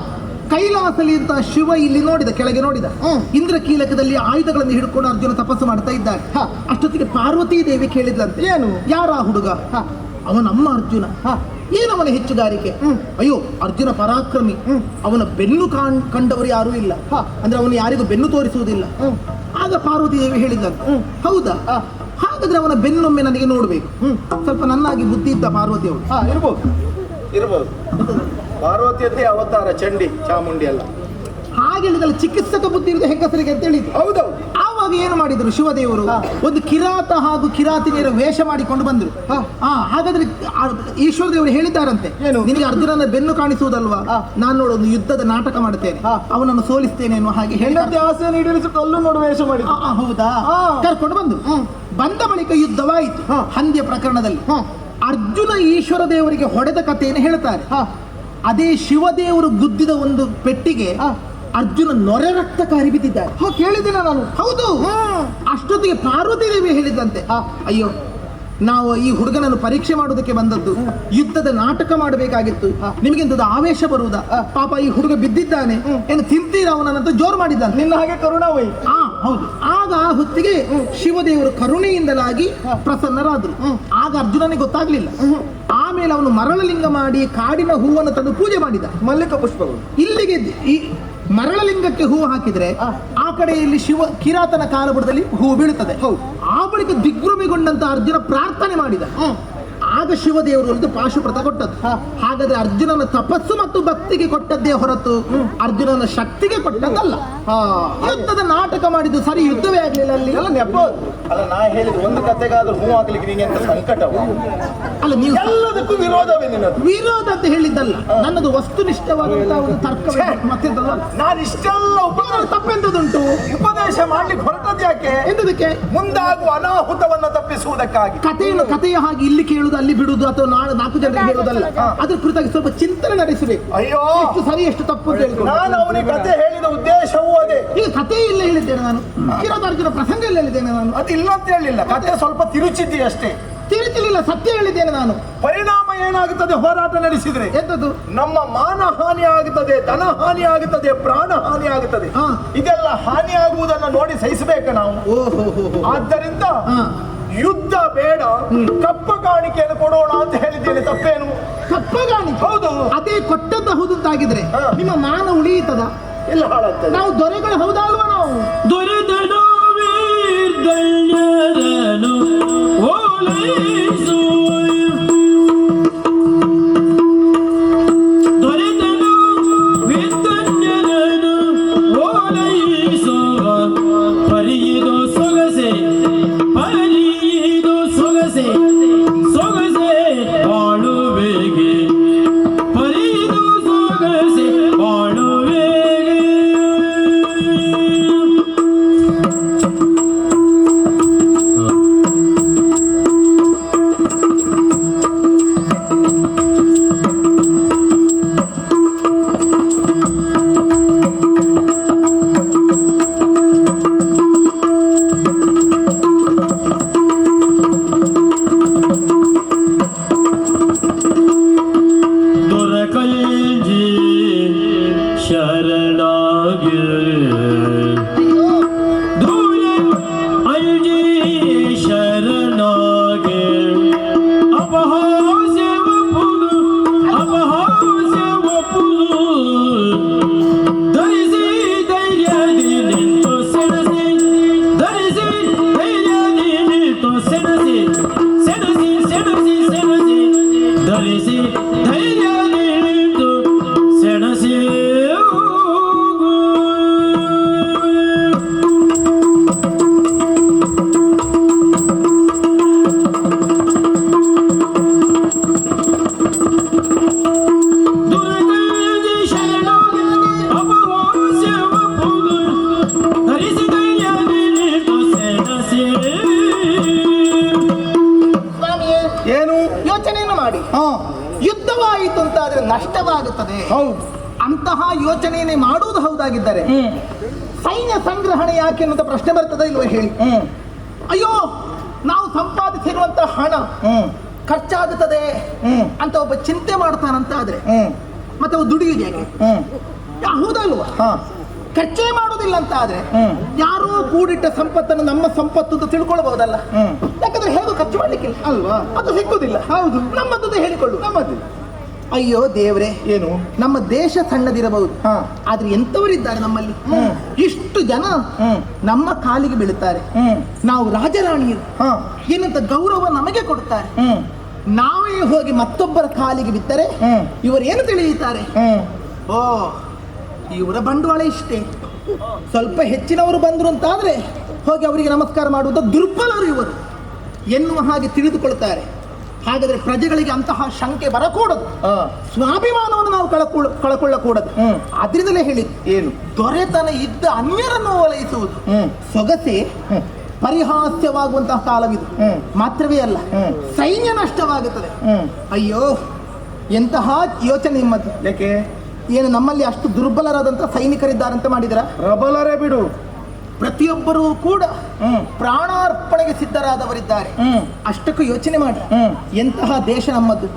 ಕೈಲಾಸಲಿ ಅಂತ ಶಿವ ಇಲ್ಲಿ ನೋಡಿದ, ಕೆಳಗೆ ನೋಡಿದ. ಇಂದ್ರಕೀಲಕದಲ್ಲಿ ಆಯುಧಗಳನ್ನು ಹಿಡ್ಕೊಂಡು ಅರ್ಜುನ ತಪಸ್ಸು ಮಾಡ್ತಾ ಇದ್ದಾರೆ. ಅಷ್ಟೊತ್ತಿಗೆ ಪಾರ್ವತೀ ದೇವಿ ಕೇಳಿದ್ಲಂತೆ, ಏನು? ಯಾರ ಹುಡುಗ? ಅವನಮ್ಮ ಅರ್ಜುನ. ಏನವನ ಹೆಚ್ಚುಗಾರಿಕೆ? ಅಯ್ಯೋ, ಅರ್ಜುನ ಪರಾಕ್ರಮಿ. ಅವನ ಬೆನ್ನು ಕಂಡವರು ಯಾರೂ ಇಲ್ಲ. ಅಂದ್ರೆ ಅವನು ಯಾರಿಗೂ ಬೆನ್ನು ತೋರಿಸುವುದಿಲ್ಲ. ಆಗ ಪಾರ್ವತಿ ದೇವಿ ಹೇಳಿದ್ದಂತೆ, ಹೌದಾ? ಹಾಗಾದ್ರೆ ಅವನ ಬೆನ್ನೊಮ್ಮೆ ನನಗೆ ನೋಡ್ಬೇಕು. ಸ್ವಲ್ಪ ನನ್ನಾಗಿ ಬುದ್ಧಿ ಇದ್ದ ಪಾರ್ವತಿ ಅವಳು.
ಇರ್ಬೋದು. ಪಾರ್ವತಿಯದ್ದೇ ಅವತಾರ, ಚಂಡಿ ಚಾಮುಂಡಿ ಅಲ್ಲ.
ಹಾಗೆ ಹೇಳಿದಲ್ಲ, ಚಿಕಿತ್ಸಕ ಬುದ್ಧಿ ಇರುವುದು ಹೆಂಗಸರಿಗೆ ಅಂತ ಹೇಳಿದ್ರು.
ಹೌದೌದು.
ಆವಾಗ ಏನು ಮಾಡಿದ್ರು ಶಿವದೇವರು? ಒಂದು ಕಿರಾತ ಹಾಗೂ ಕಿರಾತಿನಿಯರ ವೇಷ ಮಾಡಿಕೊಂಡು ಬಂದ್ರು. ಹಾಗಾದ್ರೆ ಈಶ್ವರ ದೇವರು ಹೇಳಿದ್ದಾರಂತೆ, ನಿನಗೆ ಅರ್ಜುನನ ಬೆನ್ನು ಕಾಣಿಸುವುದಲ್ವಾ, ನಾನು ನೋಡು ಒಂದು ಯುದ್ಧದ ನಾಟಕ ಮಾಡುತ್ತೇನೆ, ಅವನನ್ನು ಸೋಲಿಸ್ತೇನೆ ಎನ್ನುವ ಹಾಗೆ ಹೇಳಿದ ಆಸೆ ಈಡೇರಿಸಿ ಕಲ್ಲು ನೋಡು ವೇಷ ಮಾಡಿ. ಹೌದಾ? ಕರ್ಕೊಂಡು ಬಂದ ಬಳಿಕ ಯುದ್ಧವಾಯಿತು. ಹಂದಿಯ ಪ್ರಕರಣದಲ್ಲಿ ಅರ್ಜುನ ಈಶ್ವರ ದೇವರಿಗೆ ಹೊಡೆದ ಕಥೆಯನ್ನು ಹೇಳ್ತಾರೆ. ಅದೇ ಶಿವದೇವರು ಗುದ್ದಿದ ಒಂದು ಪೆಟ್ಟಿಗೆ ಅರ್ಜುನ ನೊರೆ ರಕ್ತ ಕಾರಿ ಬಿದ್ದಿದ್ದಾರೆ. ಕೇಳಿದ್ದೇನೆ ನಾನು. ಹೌದು. ಅಷ್ಟೊತ್ತಿಗೆ ಪಾರ್ವತಿ ದೇವಿ ಹೇಳಿದಂತೆ, ಅಯ್ಯೋ, ನಾವು ಈ ಹುಡುಗನನ್ನು ಪರೀಕ್ಷೆ ಮಾಡುವುದಕ್ಕೆ ಬಂದದ್ದು, ಯುದ್ಧದ ನಾಟಕ ಮಾಡಬೇಕಾಗಿತ್ತು, ನಿಮಗೆಂತದ್ದು ಆವೇಶ ಬರುವುದಾ? ಪಾಪ ಈ ಹುಡುಗ ಬಿದ್ದಿದ್ದಾನೆ, ಏನು ತಿಂತೀರ ಅವನಂತ ಜೋರು ಮಾಡಿದ್ದಾನೆ. ನಿನ್ನ ಹಾಗೆ ಕರುಣಾವೈ. ಹೌದು. ಆಗ ಆ ಹೊತ್ತಿಗೆ ಶಿವದೇವರು ಕರುಣೆಯಿಂದಲಾಗಿ ಪ್ರಸನ್ನರಾದರು. ಆಗ ಅರ್ಜುನನಿಗೆ ಗೊತ್ತಾಗ್ಲಿಲ್ಲ. ಆಮೇಲೆ ಅವನು ಮರಳಲಿಂಗ ಮಾಡಿ ಕಾಡಿನ ಹೂವನ್ನು ತಂದು ಪೂಜೆ ಮಾಡಿದ. ಮಲ್ಲಿಕ ಪುಷ್ಪಗಳು. ಇಲ್ಲಿಗೆ ಈ ಮರಳಲಿಂಗಕ್ಕೆ ಹೂವು ಹಾಕಿದ್ರೆ ಆ ಕಡೆಯಲ್ಲಿ ಶಿವ ಕಿರಾತನ ಕಾಲಬುಡದಲ್ಲಿ ಹೂವು ಬೀಳುತ್ತದೆ. ಆ ಬಳಿಕ ದಿಗ್ಭ್ರಮೆಗೊಂಡಂತ ಅರ್ಜುನ ಪ್ರಾರ್ಥನೆ ಮಾಡಿದ. ಆಗ ಶಿವದೇವರು ಒಂದು ಪಾಶುಪೃತ ಕೊಟ್ಟದ್ದು. ಹಾಗಾದ್ರೆ ಅರ್ಜುನನ ತಪಸ್ಸು ಮತ್ತು ಭಕ್ತಿಗೆ ಕೊಟ್ಟದ್ದೇ ಹೊರತು ಅರ್ಜುನನ ಶಕ್ತಿಗೆ ಕೊಟ್ಟದ್ದಲ್ಲ. ಯುದ್ಧದ ನಾಟಕ ಮಾಡಿದ್ದು ಸರಿ, ಯುದ್ಧವೇ ಆಗ್ಲಿಲ್ಲ ಅಲ್ಲಿ.
ಎಲ್ಲ ನೆಪ. ಅಲ್ಲ, ನಾ ಹೇಳಿದ ಒಂದು ಕತೆಗಾದ್ರೂ ಹೂ ಆಗ್ಲಿಕ್ಕೆ ನಿಂಗೆ ಎಂತ ಸಂಕಟವ?
ಅಲ್ಲ, ನೀವು
ಎಲ್ಲದಕ್ಕೂ ವಿರೋಧವೇ ನಿನ್ನದು.
ವಿರೋಧ ಅಂತ ಹೇಳಿದ್ದಲ್ಲ, ನನ್ನದು ವಸ್ತುನಿಷ್ಠವಾದಂತಹ ಒಂದು ತರ್ಕ. ಮತ್ತೆ
ನಾನು ಇಷ್ಟೆಲ್ಲ
ತಪ್ಪೆಂತದುಂಟು?
ಉಪದೇಶ ಮಾಡ್ಲಿಕ್ಕೆ ಹೊರಟದ್ದು ಯಾಕೆ?
ಎಂತದಕ್ಕೆ?
ಮುಂದಾಗುವ ಅನಾಹುತವನ್ನ ತಪ್ಪಿಸುವುದಕ್ಕಾಗಿ.
ಕಥೆಯ ಹಾಗೆ ಇಲ್ಲಿ ಕೇಳುದು ಅಲ್ಲಿ ಬಿಡುದು ಅಥವಾ ನಾಲ್ಕು ಜನರಿಗೆ ಹೇಳುವುದಲ್ಲ. ಅದ್ರ ಕುರಿತಾಗಿ ಸ್ವಲ್ಪ ಚಿಂತನೆ ನಡೆಸಬೇಕು.
ಅಯ್ಯೋ,
ಎಷ್ಟು ಸರಿ ಎಷ್ಟು ತಪ್ಪು ಅಂತ ಹೇಳ್ಕೊಂಡು
ನಾನು ಅವನಿಗೆ ಕತೆ ಹೇಳಿದ ಉದ್ದೇಶವೂ ಅದೇ.
ಈಗ ಕಥೆ ಇಲ್ಲ ಹೇಳಿದ್ದೇನೆ ನಾನು, ಕಿರಾತಾರ್ಜುನ ಪ್ರಸಂಗ ಇಲ್ಲ ಹೇಳಿದ್ದೇನೆ ನಾನು.
ಅದಿಲ್ಲ ಅಂತ ಹೇಳಿಲ್ಲ, ಕತೆ ಸ್ವಲ್ಪ ತಿರುಚಿದ್ದಿ ಅಷ್ಟೇ.
ತಿಳಿತಿರ್ಲಿಲ್ಲ, ಸತ್ಯ ಹೇಳಿದ್ದೇನೆ ನಾನು.
ಪರಿಣಾಮ ಏನಾಗುತ್ತದೆ ಹೋರಾಟ ನಡೆಸಿದ್ರೆ?
ಎಂತದ್ದು?
ನಮ್ಮ ಮಾನ ಹಾನಿ ಆಗುತ್ತದೆ, ಧನ ಹಾನಿ ಆಗುತ್ತದೆ, ಪ್ರಾಣ ಹಾನಿ ಆಗುತ್ತದೆ. ಇದೆಲ್ಲ ಹಾನಿ ಆಗುವುದನ್ನ ನೋಡಿ ಸಹಿಸಬೇಕ ನಾವು. ಆದ್ದರಿಂದ ಯುದ್ಧ ಬೇಡ, ಕಪ್ಪ ಕಾಣಿಕೆಯನ್ನು ಕೊಡೋಣ ಅಂತ ಹೇಳಿದ್ದೇನೆ. ತಪ್ಪೇನು?
ಕಪ್ಪ ಕಾಣಿಕೆ?
ಹೌದು.
ಅದೇ ಕೊಟ್ಟದ್ದು ಹೌದಂತಾಗಿದ್ರೆ ನಿಮ್ಮ ಮಾನ ಉಳಿಯುತ್ತದ?
ಎಲ್ಲ ಹಾಳಾಗ್ತದೆ.
ನಾವು ದೊರೆಗಳು ಹೌದಾ ಅಲ್ವಾ? ನಾವು
ದೊರೆತನು ವೀರ್ಗಣ್ಯರನು ಓಲೈಸು, ದೊರೆತನು ವೀರ್ಗಣ್ಯರನು ಓಲೈಸು, ಪರಿಯಿದು ಸೊಗಸೆ, ಪರಿಯಿದು ಸೊಗಸೆ, ಸೊಗಸೆ ಬಾಳುವೆಗೆ, ಪರಿಯಿದು ಸೊಗಸೆ ಬಾಳುವೆಗೆ.
ಯುದ್ಧವಾಯಿತು ಅಂತಾದ್ರೆ ನಷ್ಟವಾಗುತ್ತದೆ. ಅಂತಹ ಯೋಚನೆಯನ್ನೇ ಮಾಡುವುದು ಹೌದಾಗಿದ್ದರೆ ಸೈನ್ಯ ಸಂಗ್ರಹಣೆ ಯಾಕೆ ಅನ್ನುವಂತ ಪ್ರಶ್ನೆ ಬರ್ತದೆ ಇಲ್ವ ಹೇಳಿ? ಅಯ್ಯೋ, ನಾವು ಸಂಪಾದಿಸಿರುವಂತಹ ಹಣ ಖರ್ಚಾಗುತ್ತದೆ ಅಂತ ಒಬ್ಬ ಚಿಂತೆ ಮಾಡ್ತಾನಂತ ಆದ್ರೆ ಮತ್ತೆ ಅವ ದುಡಿಯುವುದು ಯಾಕೆ? ಹೌದಲ್ವಾ? ಖರ್ಚೇ ಮಾಡುವುದಿಲ್ಲ ಅಂತ ಆದ್ರೆ ಯಾರೋ ಕೂಡಿಟ್ಟ ಸಂಪತ್ತನ್ನು ನಮ್ಮ ಸಂಪತ್ತು ಅಂತ ತಿಳ್ಕೊಳ್ಬಹುದಲ್ಲ. ಯಾಕಂದ್ರೆ ಹೇಗೂ ಖರ್ಚು ಮಾಡ್ಲಿಕ್ಕಿಲ್ಲ ಅಲ್ವಾ? ಅದು ಸಿಕ್ಕುದಿಲ್ಲ. ಹೌದು, ನಮ್ಮದ್ದು ಹೇಳಿಕೊಳ್ಳು. ನಮ್ಮದು. ಅಯ್ಯೋ ದೇವ್ರೆ, ಏನು ನಮ್ಮ ದೇಶ ಸಣ್ಣದಿರಬಹುದು, ಆದ್ರೆ ಎಂತವರಿದ್ದಾರೆ ನಮ್ಮಲ್ಲಿ. ಇಷ್ಟು ಜನ ನಮ್ಮ ಕಾಲಿಗೆ ಬೀಳುತ್ತಾರೆ. ನಾವು ರಾಜರಾಣಿಯರು ಏನಂತ ಗೌರವ ನಮಗೆ ಕೊಡುತ್ತಾರೆ. ನಾವೇ ಹೋಗಿ ಮತ್ತೊಬ್ಬರ ಕಾಲಿಗೆ ಬಿದ್ದರೆ ಇವರು ಏನು ತಿಳಿಯುತ್ತಾರೆ? ಓ, ಇವರ ಬಂಡವಾಳ ಇಷ್ಟೇ, ಸ್ವಲ್ಪ ಹೆಚ್ಚಿನವರು ಬಂದ್ರು ಅಂತಾದ್ರೆ ಹೋಗಿ ಅವರಿಗೆ ನಮಸ್ಕಾರ ಮಾಡುವುದು ದುರ್ಬಲರು ಇವರು ಎನ್ನುವ ಹಾಗೆ ತಿಳಿದುಕೊಳ್ತಾರೆ. ಹಾಗಾದ್ರೆ ಪ್ರಜೆಗಳಿಗೆ ಅಂತಹ ಶಂಕೆ ಬರಕೂಡದು, ಸ್ವಾಭಿಮಾನವನ್ನು ನಾವು ಕಳಕೊಳ್ಳಕೂಡದು. ಆದ್ರಿಂದಲೇ ಹೇಳಿ, ಏನು ದೊರೆತನ ಇದ್ದ ಅನ್ಯರನ್ನು ಓಲೈಸುವುದು ಸೊಗಸೆ ಪರಿಹಾಸ್ಯವಾಗುವಂತಹ ಕಾಲವಿದು. ಮಾತ್ರವೇ ಅಲ್ಲ, ಸೈನ್ಯ ನಷ್ಟವಾಗುತ್ತದೆ. ಅಯ್ಯೋ, ಎಂತಹ ಯೋಚನೆ ನಿಮ್ಮದು.
ಯಾಕೆ?
ಏನು ನಮ್ಮಲ್ಲಿ ಅಷ್ಟು ದುರ್ಬಲರಾದಂತಹ ಸೈನಿಕರಿದ್ದಾರಂತ ಮಾಡಿದ್ರ?
ಪ್ರಬಲರೇ ಬಿಡು,
ಪ್ರತಿಯೊಬ್ಬರೂ ಕೂಡ ಪ್ರಾಣಾರ್ಪಣೆಗೆ ಸಿದ್ಧರಾದವರಿದ್ದಾರೆ. ಅಷ್ಟಕ್ಕೂ ಯೋಚನೆ ಮಾಡಿ, ಎಂತಹ ದೇಶ ನಮ್ಮದು.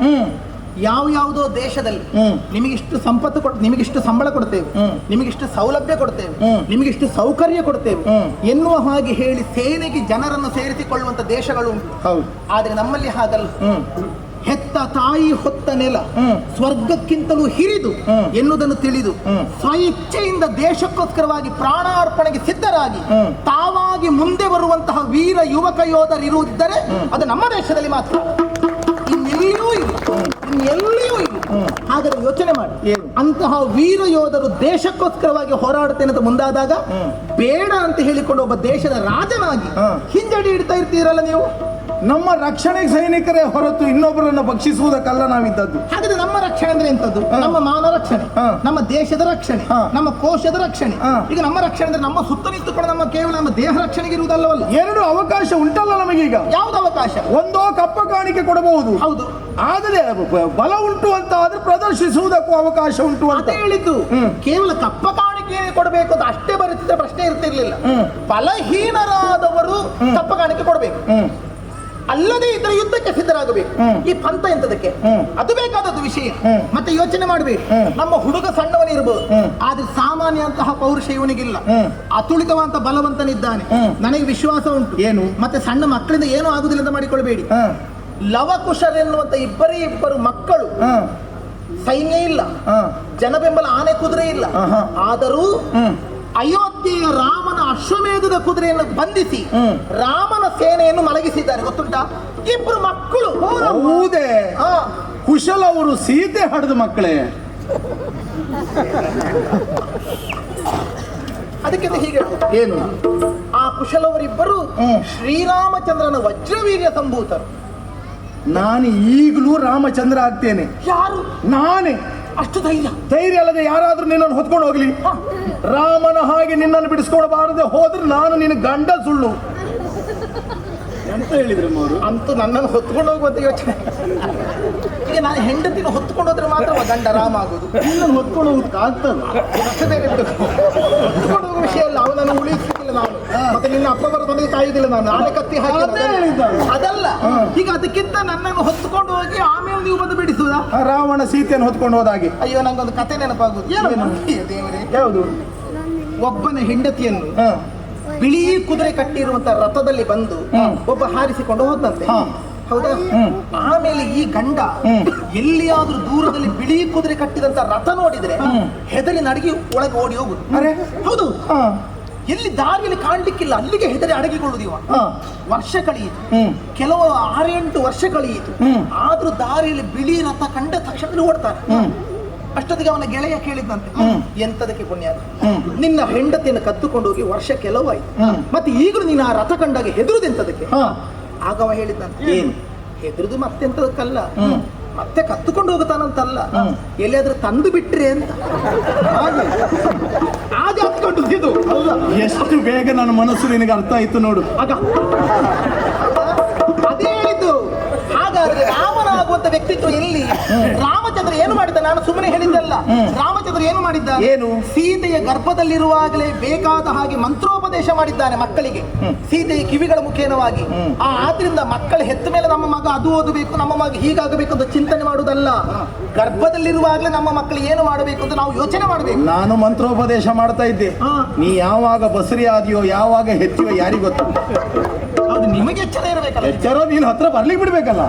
ಯಾವುದೋ ದೇಶದಲ್ಲಿ ನಿಮಗಿಷ್ಟು ಸಂಪತ್ತು ನಿಮಗಿಷ್ಟು ಸಂಬಳ ಕೊಡ್ತೇವೆ, ನಿಮಗಿಷ್ಟು ಸೌಲಭ್ಯ ಕೊಡ್ತೇವೆ, ನಿಮಗಿಷ್ಟು ಸೌಕರ್ಯ ಕೊಡ್ತೇವೆ ಎನ್ನುವ ಹಾಗೆ ಹೇಳಿ ಸೇನೆಗೆ ಜನರನ್ನು ಸೇರಿಸಿಕೊಳ್ಳುವಂತ ದೇಶಗಳು ಉಂಟು. ಆದ್ರೆ ನಮ್ಮಲ್ಲಿ ಹಾಗಲ್ಲ. ಹೆತ್ತ ತಾಯಿ ಹೊತ್ತ ನೆಲ ಸ್ವರ್ಗಕ್ಕಿಂತಲೂ ಹಿರಿದು ಎನ್ನುವುದನ್ನು ತಿಳಿದು ಸ್ವಇಚ್ಛೆಯಿಂದ ದೇಶಕ್ಕೋಸ್ಕರವಾಗಿ ಪ್ರಾಣಾರ್ಪಣೆಗೆ ಸಿದ್ಧರಾಗಿ ತಾವಾಗಿ ಮುಂದೆ ಬರುವಂತಹ ವೀರ ಯುವಕ ಯೋಧರಿರುವುದಿದ್ದರೆ ಅದು ನಮ್ಮ ದೇಶದಲ್ಲಿ ಮಾತ್ರ. ಇಲ್ಲ, ಎಲ್ಲಿಯೂ ಇಲ್ಲ. ಹಾಗಾದ್ರೆ ಯೋಚನೆ ಮಾಡಿ,
ಏನು?
ಅಂತಹ ವೀರ ಯೋಧರು ದೇಶಕ್ಕೋಸ್ಕರವಾಗಿ ಹೋರಾಡುತ್ತೇನೆ ಅಂತ ಮುಂದಾದಾಗ ಬೇಡ ಅಂತ ಹೇಳಿಕೊಂಡು ಒಬ್ಬ ದೇಶದ ರಾಜನಾಗಿ ಹಿಂಜಡಿ ಇಡ್ತಾ ಇರ್ತೀರಲ್ಲ ನೀವು.
ನಮ್ಮ ರಕ್ಷಣೆ ಸೈನಿಕರೇ ಹೊರತು ಇನ್ನೊಬ್ಬರನ್ನು ಭಕ್ಷಿಸುವುದಕ್ಕಲ್ಲ ನಾವಿದ್ದದ್ದು.
ಹಾಗಾದ್ರೆ ನಮ್ಮ ರಕ್ಷಣೆ ಅಂದ್ರೆ ಎಂತದ್ದು? ನಮ್ಮ ಮಾನ ರಕ್ಷಣೆ, ನಮ್ಮ ದೇಶದ ರಕ್ಷಣೆ, ನಮ್ಮ ಕೋಶದ ರಕ್ಷಣೆ. ಈಗ ನಮ್ಮ ರಕ್ಷಣೆ ಅಂದ್ರೆ ನಮ್ಮ ಸುತ್ತ ನಿಂತುಕೊಂಡು ನಮ್ಮ ಕೇವಲ ನಮ್ಮ ದೇಹ ರಕ್ಷಣೆಗೆ ಇರುವುದಲ್ಲವಲ್ಲ.
ಎರಡು ಅವಕಾಶ ಉಂಟಲ್ಲ ನಮಗೀಗ.
ಯಾವ್ದು ಅವಕಾಶ?
ಒಂದೋ ಕಪ್ಪ ಕಾಣಿಕೆ ಕೊಡಬಹುದು,
ಹೌದು.
ಆದರೆ ಬಲ ಉಂಟು ಅಂತ ಆದ್ರೆ ಪ್ರದರ್ಶಿಸುವುದಕ್ಕೂ ಅವಕಾಶ ಉಂಟು ಅಂತ
ಅಂತ ಹೇಳಿದ್ದು. ಕೇವಲ ಕಪ್ಪ ಕಾಣಿಕೆ ಕೊಡಬೇಕು ಅಂತ ಅಷ್ಟೇ ಬರುತ್ತಿದ್ದ ಪ್ರಶ್ನೆ ಇರ್ತಿರ್ಲಿಲ್ಲ. ಬಲಹೀನರಾದವರು ಕಪ್ಪ ಕಾಣಿಕೆ ಕೊಡಬೇಕು, ಅಲ್ಲದೆ ಇದ್ರೆ ಯುದ್ಧಕ್ಕೆ ಸಿದ್ಧರಾಗಬೇಕು. ಈ ಪಂಥ ಎಂತದಕ್ಕೆ? ಅದು ಬೇಕಾದದ್ದು ವಿಷಯ. ಮತ್ತೆ ಯೋಚನೆ ಮಾಡಬೇಕು, ನಮ್ಮ ಹುಡುಗ ಸಣ್ಣವನಿರ್ಬೋದು, ಆದ್ರೆ ಸಾಮಾನ್ಯ ಅಂತಹ ಪೌರುಷ ಇವನಿಗಿಲ್ಲ. ಅತುಳಿತವಂತ ಬಲವಂತನಿದ್ದಾನೆ, ನನಗೆ ವಿಶ್ವಾಸ ಉಂಟು.
ಏನು?
ಮತ್ತೆ ಸಣ್ಣ ಮಕ್ಕಳಿಂದ ಏನೂ ಆಗುದಿಲ್ಲ ಅಂತ ಮಾಡಿಕೊಳ್ಬೇಡಿ. ಲವಕುಶರೆನ್ನುವಂತ ಇಬ್ಬರು ಮಕ್ಕಳು, ಸೈನ್ಯ ಇಲ್ಲ, ಜನಬೆಂಬಲ ಆನೆ ಕುದುರೆ ಇಲ್ಲ, ಆದರೂ ಅಯೋಧ್ಯೆಯ ರಾಮನ ಅಶ್ವಮೇಧದ ಕುದುರೆಯನ್ನು ಬಂಧಿಸಿ ರಾಮನ ಸೇನೆಯನ್ನು ಮಲಗಿಸಿದ್ದಾರೆ. ಗೊತ್ತುಂಟಾ? ಇಬ್ರು ಮಕ್ಕಳು.
ಹೌದೇ? ಕುಶಲ ಅವರು ಸೀತೆ ಹಡೆದ ಮಕ್ಕಳೇ.
ಅದಕ್ಕಿಂತ ಹೀಗೆ
ಏನು?
ಆ ಕುಶಲವರಿಬ್ಬರು ಶ್ರೀರಾಮಚಂದ್ರನ ವಜ್ರವೀರ್ಯ ಸಂಭೂತರು.
ನಾನು ಈಗಲೂ ರಾಮಚಂದ್ರ ಆಗ್ತೇನೆ.
ಯಾರು?
ನಾನೇ.
ಅಷ್ಟು ಧೈರ್ಯ?
ಧೈರ್ಯ ಅಲ್ಲದೆ ಯಾರಾದ್ರೂ ನಿನ್ನನ್ನು ಹೊತ್ಕೊಂಡು ಹೋಗ್ಲಿ. ರಾಮನ ಹಾಗೆ ನಿನ್ನನ್ನು ಬಿಡಿಸ್ಕೊಳ್ಬಾರದೆ ಹೋದ್ರೆ ನಾನು ನಿನ್ನ ಗಂಡ ಸುಳ್ಳು ಅಂತ ಹೇಳಿದ್ರು ಅವರು.
ಅಂತೂ ನನ್ನನ್ನು ಹೊತ್ಕೊಂಡು ಹೋಗುವಂತ ಯೋಚನೆ. ಈಗ ನಾನು ಹೆಂಡತಿನ ಹೊತ್ಕೊಂಡು ಹೋದ್ರೆ ಮಾತ್ರ ಗಂಡ ರಾಮ ಆಗುದು.
ನಿನ್ನನ್ನು ಹೊತ್ಕೊಂಡು ಹೋಗೋದಕ್ಕೆ ಆಗ್ತದೆ?
ಹೊತ್ಕೊಂಡು ಹೋಗುವ ವಿಷಯ ಅಲ್ಲ, ಅವನನ್ನು ಉಳಿಸಿಲ್ಲ ನಾನು. ಮತ್ತೆ ನಿನ್ನ ಅಪ್ಪ ಬರೋದೊಂದಿಗೆ ಕಾಯುವುದಿಲ್ಲ ನಾನು, ಆನೆ ಕತ್ತಿ ಹಾಕಿ ಅದಲ್ಲ. ಈಗ ಅದಕ್ಕಿಂತ ನನ್ನನ್ನು ಹೊತ್ಕೊಂಡು ಹೋಗಿ ಆಮೇಲೆ ನೀವು ಬಂದು ಬಿಡಿಸುವುದ?
ರಾವಣ ಸೀತೆಯನ್ನು ಹೊತ್ಕೊಂಡು ಹೋದಾಗೆ.
ಅಯ್ಯೋ, ನಂಗೊಂದು ಕತೆ ನೆನಪಾಗುದು. ದೇವರೇ,
ಯಾವುದು?
ಒಬ್ಬನ ಹೆಂಡತಿಯನ್ನು ಬಿಳಿ ಕುದುರೆ ಕಟ್ಟಿರುವಂತ ರಥದಲ್ಲಿ ಬಂದು ಒಬ್ಬ ಹಾರಿಸಿಕೊಂಡು ಹೋದಂತೆ. ಹೌದಾ? ಆಮೇಲೆ ಈ ಗಂಡ ಎಲ್ಲಿಯಾದ್ರೂ ದೂರದಲ್ಲಿ ಬಿಳಿ ಕುದುರೆ ಕಟ್ಟಿದಂತ ರಥ ನೋಡಿದ್ರೆ ಹೆದರಿ ನಡಗಿ ಒಳಗೆ ಓಡಿ ಹೋಗುದು. ಹೌದು, ಎಲ್ಲಿ ದಾರಿಯಲ್ಲಿ ಕಾಣ್ಲಿಕ್ಕಿಲ್ಲ ಅಲ್ಲಿಗೆ ಹೆದರಿ ಅಡಗಿಕೊಳ್ಳುದಿವ. ವರ್ಷ ಕಳೆಯಿತು, ಕೆಲವು 6-8 ವರ್ಷ ಕಳೆಯಿತು. ಆದ್ರೂ ದಾರಿಯಲ್ಲಿ ಬಿಳಿ ರಥ ಕಂಡ ತಕ್ಷಣ ಓಡ್ತಾರೆ. ಅಷ್ಟೊತ್ತಿಗೆ ಅವನ ಗೆಳೆಯ ಕೇಳಿದಂತೆ, ಎಂತದಕ್ಕೆ ಪುಣ್ಯ, ನಿನ್ನ ಹೆಂಡತಿಯನ್ನು ಕದ್ದುಕೊಂಡು ಹೋಗಿ ವರ್ಷ ಕೆಲವಾಯ್ತು, ಮತ್ತೆ ಈಗಲೂ ನೀನು ಆ ರಥ ಕಂಡಾಗ ಹೆದರುದೆಂತದಕ್ಕೆ? ಆಗ ಅವ ಹೇಳಿದಂತೆ, ಏನು ಹೆದರುದು ಮತ್ತೆಂತದಕ್ಕಲ್ಲ, ಮತ್ತೆ ಕತ್ತುಕೊಂಡು ಹೋಗುತ್ತಾನಂತಲ್ಲ, ಎಲ್ಲಿಯಾದ್ರೂ ತಂದು ಬಿಟ್ರೆ ಅಂತ. ಹಾಗೆ ಹತ್ಕೊಂಡು ಇದು
ಎಷ್ಟು ಬೇಗ ನನ್ನ ಮನಸ್ಸು ನಿನಗೆ ಅರ್ಥ ಆಯ್ತು ನೋಡು.
ಆಗ ಅದೇ ಹೇಳಿದ್ದು. ಹಾಗಾದ್ರೆ ರಾಮನಾಗುವಂತ ವ್ಯಕ್ತಿತ್ವ ಎಲ್ಲಿ? ರಾಮಚಂದ್ರ ಏನು ಮಾಡಿದ್ದ? ನಾನು ಸುಮ್ಮನೆ ಹೇಳಿದ್ದಲ್ಲ. ರಾಮಚಂದ್ರ ಏನು ಮಾಡಿದ್ದ?
ಏನು?
ಸೀತೆಯ ಗರ್ಭದಲ್ಲಿರುವಾಗಲೇ ಬೇಕಾದ ಹಾಗೆ ಮಂತ್ರೋಪದೇಶ ಮಾಡಿದ್ದಾನೆ ಮಕ್ಕಳಿಗೆ, ಸೀತೆಯ ಕಿವಿಗಳ ಮುಖೇನವಾಗಿ. ಆದ್ರಿಂದ ಮಕ್ಕಳು ಹೆತ್ತ ಮೇಲೆ ನಮ್ಮ ಮಗ ಅದು ಓದಬೇಕು, ನಮ್ಮ ಮಗ ಹೀಗಾಗಬೇಕು ಅಂತ ಚಿಂತನೆ ಮಾಡುವುದಲ್ಲ. ಗರ್ಭದಲ್ಲಿರುವಾಗಲೇ ನಮ್ಮ ಮಕ್ಕಳು ಏನು ಮಾಡಬೇಕು ಅಂತ ನಾವು ಯೋಚನೆ ಮಾಡಬೇಕು.
ನಾನು ಮಂತ್ರೋಪದೇಶ ಮಾಡ್ತಾ ಇದ್ದೆ, ನೀ ಯಾವಾಗ ಬಸರಿ ಆದಿಯೋ ಯಾವಾಗ ಹೆತ್ತಿಯೋ ಯಾರಿಗ ಗೊತ್ತು?
ಅದು ನಿಮಗೆ ಎಚ್ಚರ ಇರಬೇಕಲ್ಲ.
ಎಚ್ಚರ ನೀನು ಹತ್ರ ಬರ್ಲಿಕ್ಕೆ ಬಿಡ್ಬೇಕಲ್ಲ.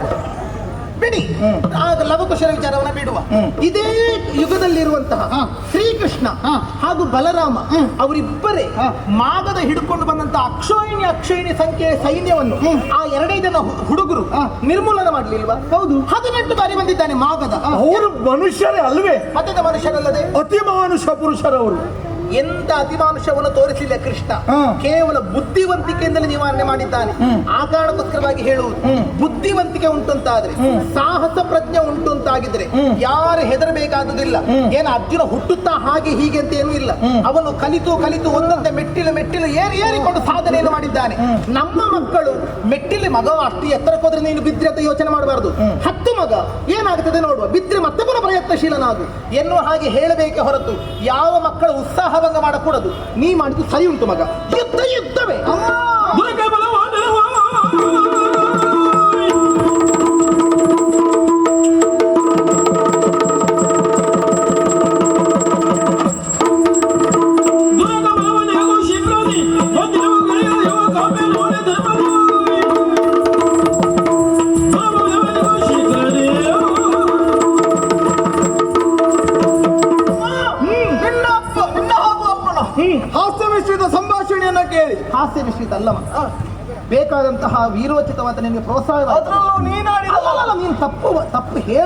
ಬಿಡಿ, ಆಗ ಲವಕುಶರ ವಿಚಾರವನ್ನ ಬಿಡುವ. ಇದೇ ಯುಗದಲ್ಲಿರುವಂತಹ ಶ್ರೀಕೃಷ್ಣ ಹಾಗೂ ಬಲರಾಮ ಅವರಿಬ್ಬರೇ ಮಾಗದ ಹಿಡ್ಕೊಂಡು ಬಂದಂತಹ ಅಕ್ಷೋಹಿಣಿ ಸಂಖ್ಯೆಯ ಸೈನ್ಯವನ್ನು ಆ 2 ಜನ ಹುಡುಗರು ನಿರ್ಮೂಲನ ಮಾಡ್ಲಿಲ್ವಾ? ಹೌದು, 18 ಬಾರಿ ಬಂದಿದ್ದಾನೆ ಮಾಗದ.
ಅವರು ಮನುಷ್ಯರೇ ಅಲ್ವೇ?
ಮತ್ತೆ ಮನುಷ್ಯರಲ್ಲದೆ
ಅತಿ ಮಾನುಷ ಪುರುಷರವರು.
ಎಂತ ಅತಿಮಾನುಷವನ್ನು ತೋರಿಸಲಿಲ್ಲ ಕೃಷ್ಣ, ಕೇವಲ ಬುದ್ಧಿವಂತಿಕೆಯಿಂದಲೇ ನಿವಾರಣೆ ಮಾಡಿದ್ದಾನೆ. ಆ ಕಾರಣಕ್ಕೋಸ್ಕರವಾಗಿ ಹೇಳುವುದು, ಬುದ್ಧಿವಂತಿಕೆ ಉಂಟಂತಾದ್ರೆ, ಸಾಹಸ ಪ್ರಜ್ಞೆ ಉಂಟು ಅಂತಾಗಿದ್ರೆ ಯಾರು ಹೆದರಬೇಕಾದುದಿಲ್ಲ. ಏನು ಅರ್ಜುನ ಹುಟ್ಟುತ್ತಾ ಹಾಗೆ ಹೀಗೆ ಅಂತ ಏನೂ ಇಲ್ಲ. ಅವನು ಕಲಿತು ಒಂದೊಂದೇ ಮೆಟ್ಟಿಲು ಏರಿಕೊಂಡು ಸಾಧನೆಯನ್ನು ಮಾಡಿದ್ದಾನೆ. ನಮ್ಮ ಮಕ್ಕಳು ಮೆಟ್ಟಿಲು ಮಗ ಅಷ್ಟು ಎತ್ತರಕ್ಕೆ ಹೋದ್ರೆ ನೀನು ಬಿದ್ರೆ ಅಂತ ಯೋಚನೆ ಮಾಡಬಾರದು. 10 ಮಗ ಏನಾಗುತ್ತದೆ ನೋಡುವ, ಬಿದ್ರೆ ಮತ್ತೆ ಪುನಃ ಪ್ರಯತ್ನಶೀಲನಾಗು ಎನ್ನುವ ಹಾಗೆ ಹೇಳಬೇಕೆ ಹೊರತು ಯಾವ ಮಕ್ಕಳ ಉತ್ಸಾಹ ಭಂಗ ಮಾಡಕೂಡದು. ನೀ ಮಾಡಿದ್ದು ಸರಿ ಉಂಟು ಮಗ, ಯುದ್ಧವೇ.
ಹಾಸ್ಯ ಮಿಶ್ರಿತ ಸಂಭಾಷಣೆಯನ್ನ ಕೇಳಿ.
ಹಾಸ್ಯ ಮಿಶ್ರಿತ ಅಲ್ಲ, ಬೇಕಾದಂತಹ ವೀರೋಚಿತವಾದ ನಿನಗೆ ಪ್ರೋತ್ಸಾಹ
ಅದ್ರಲ್ಲೂ ನೀನಾಡಿದ
ನೀನು ತಪ್ಪು ಹೇಳ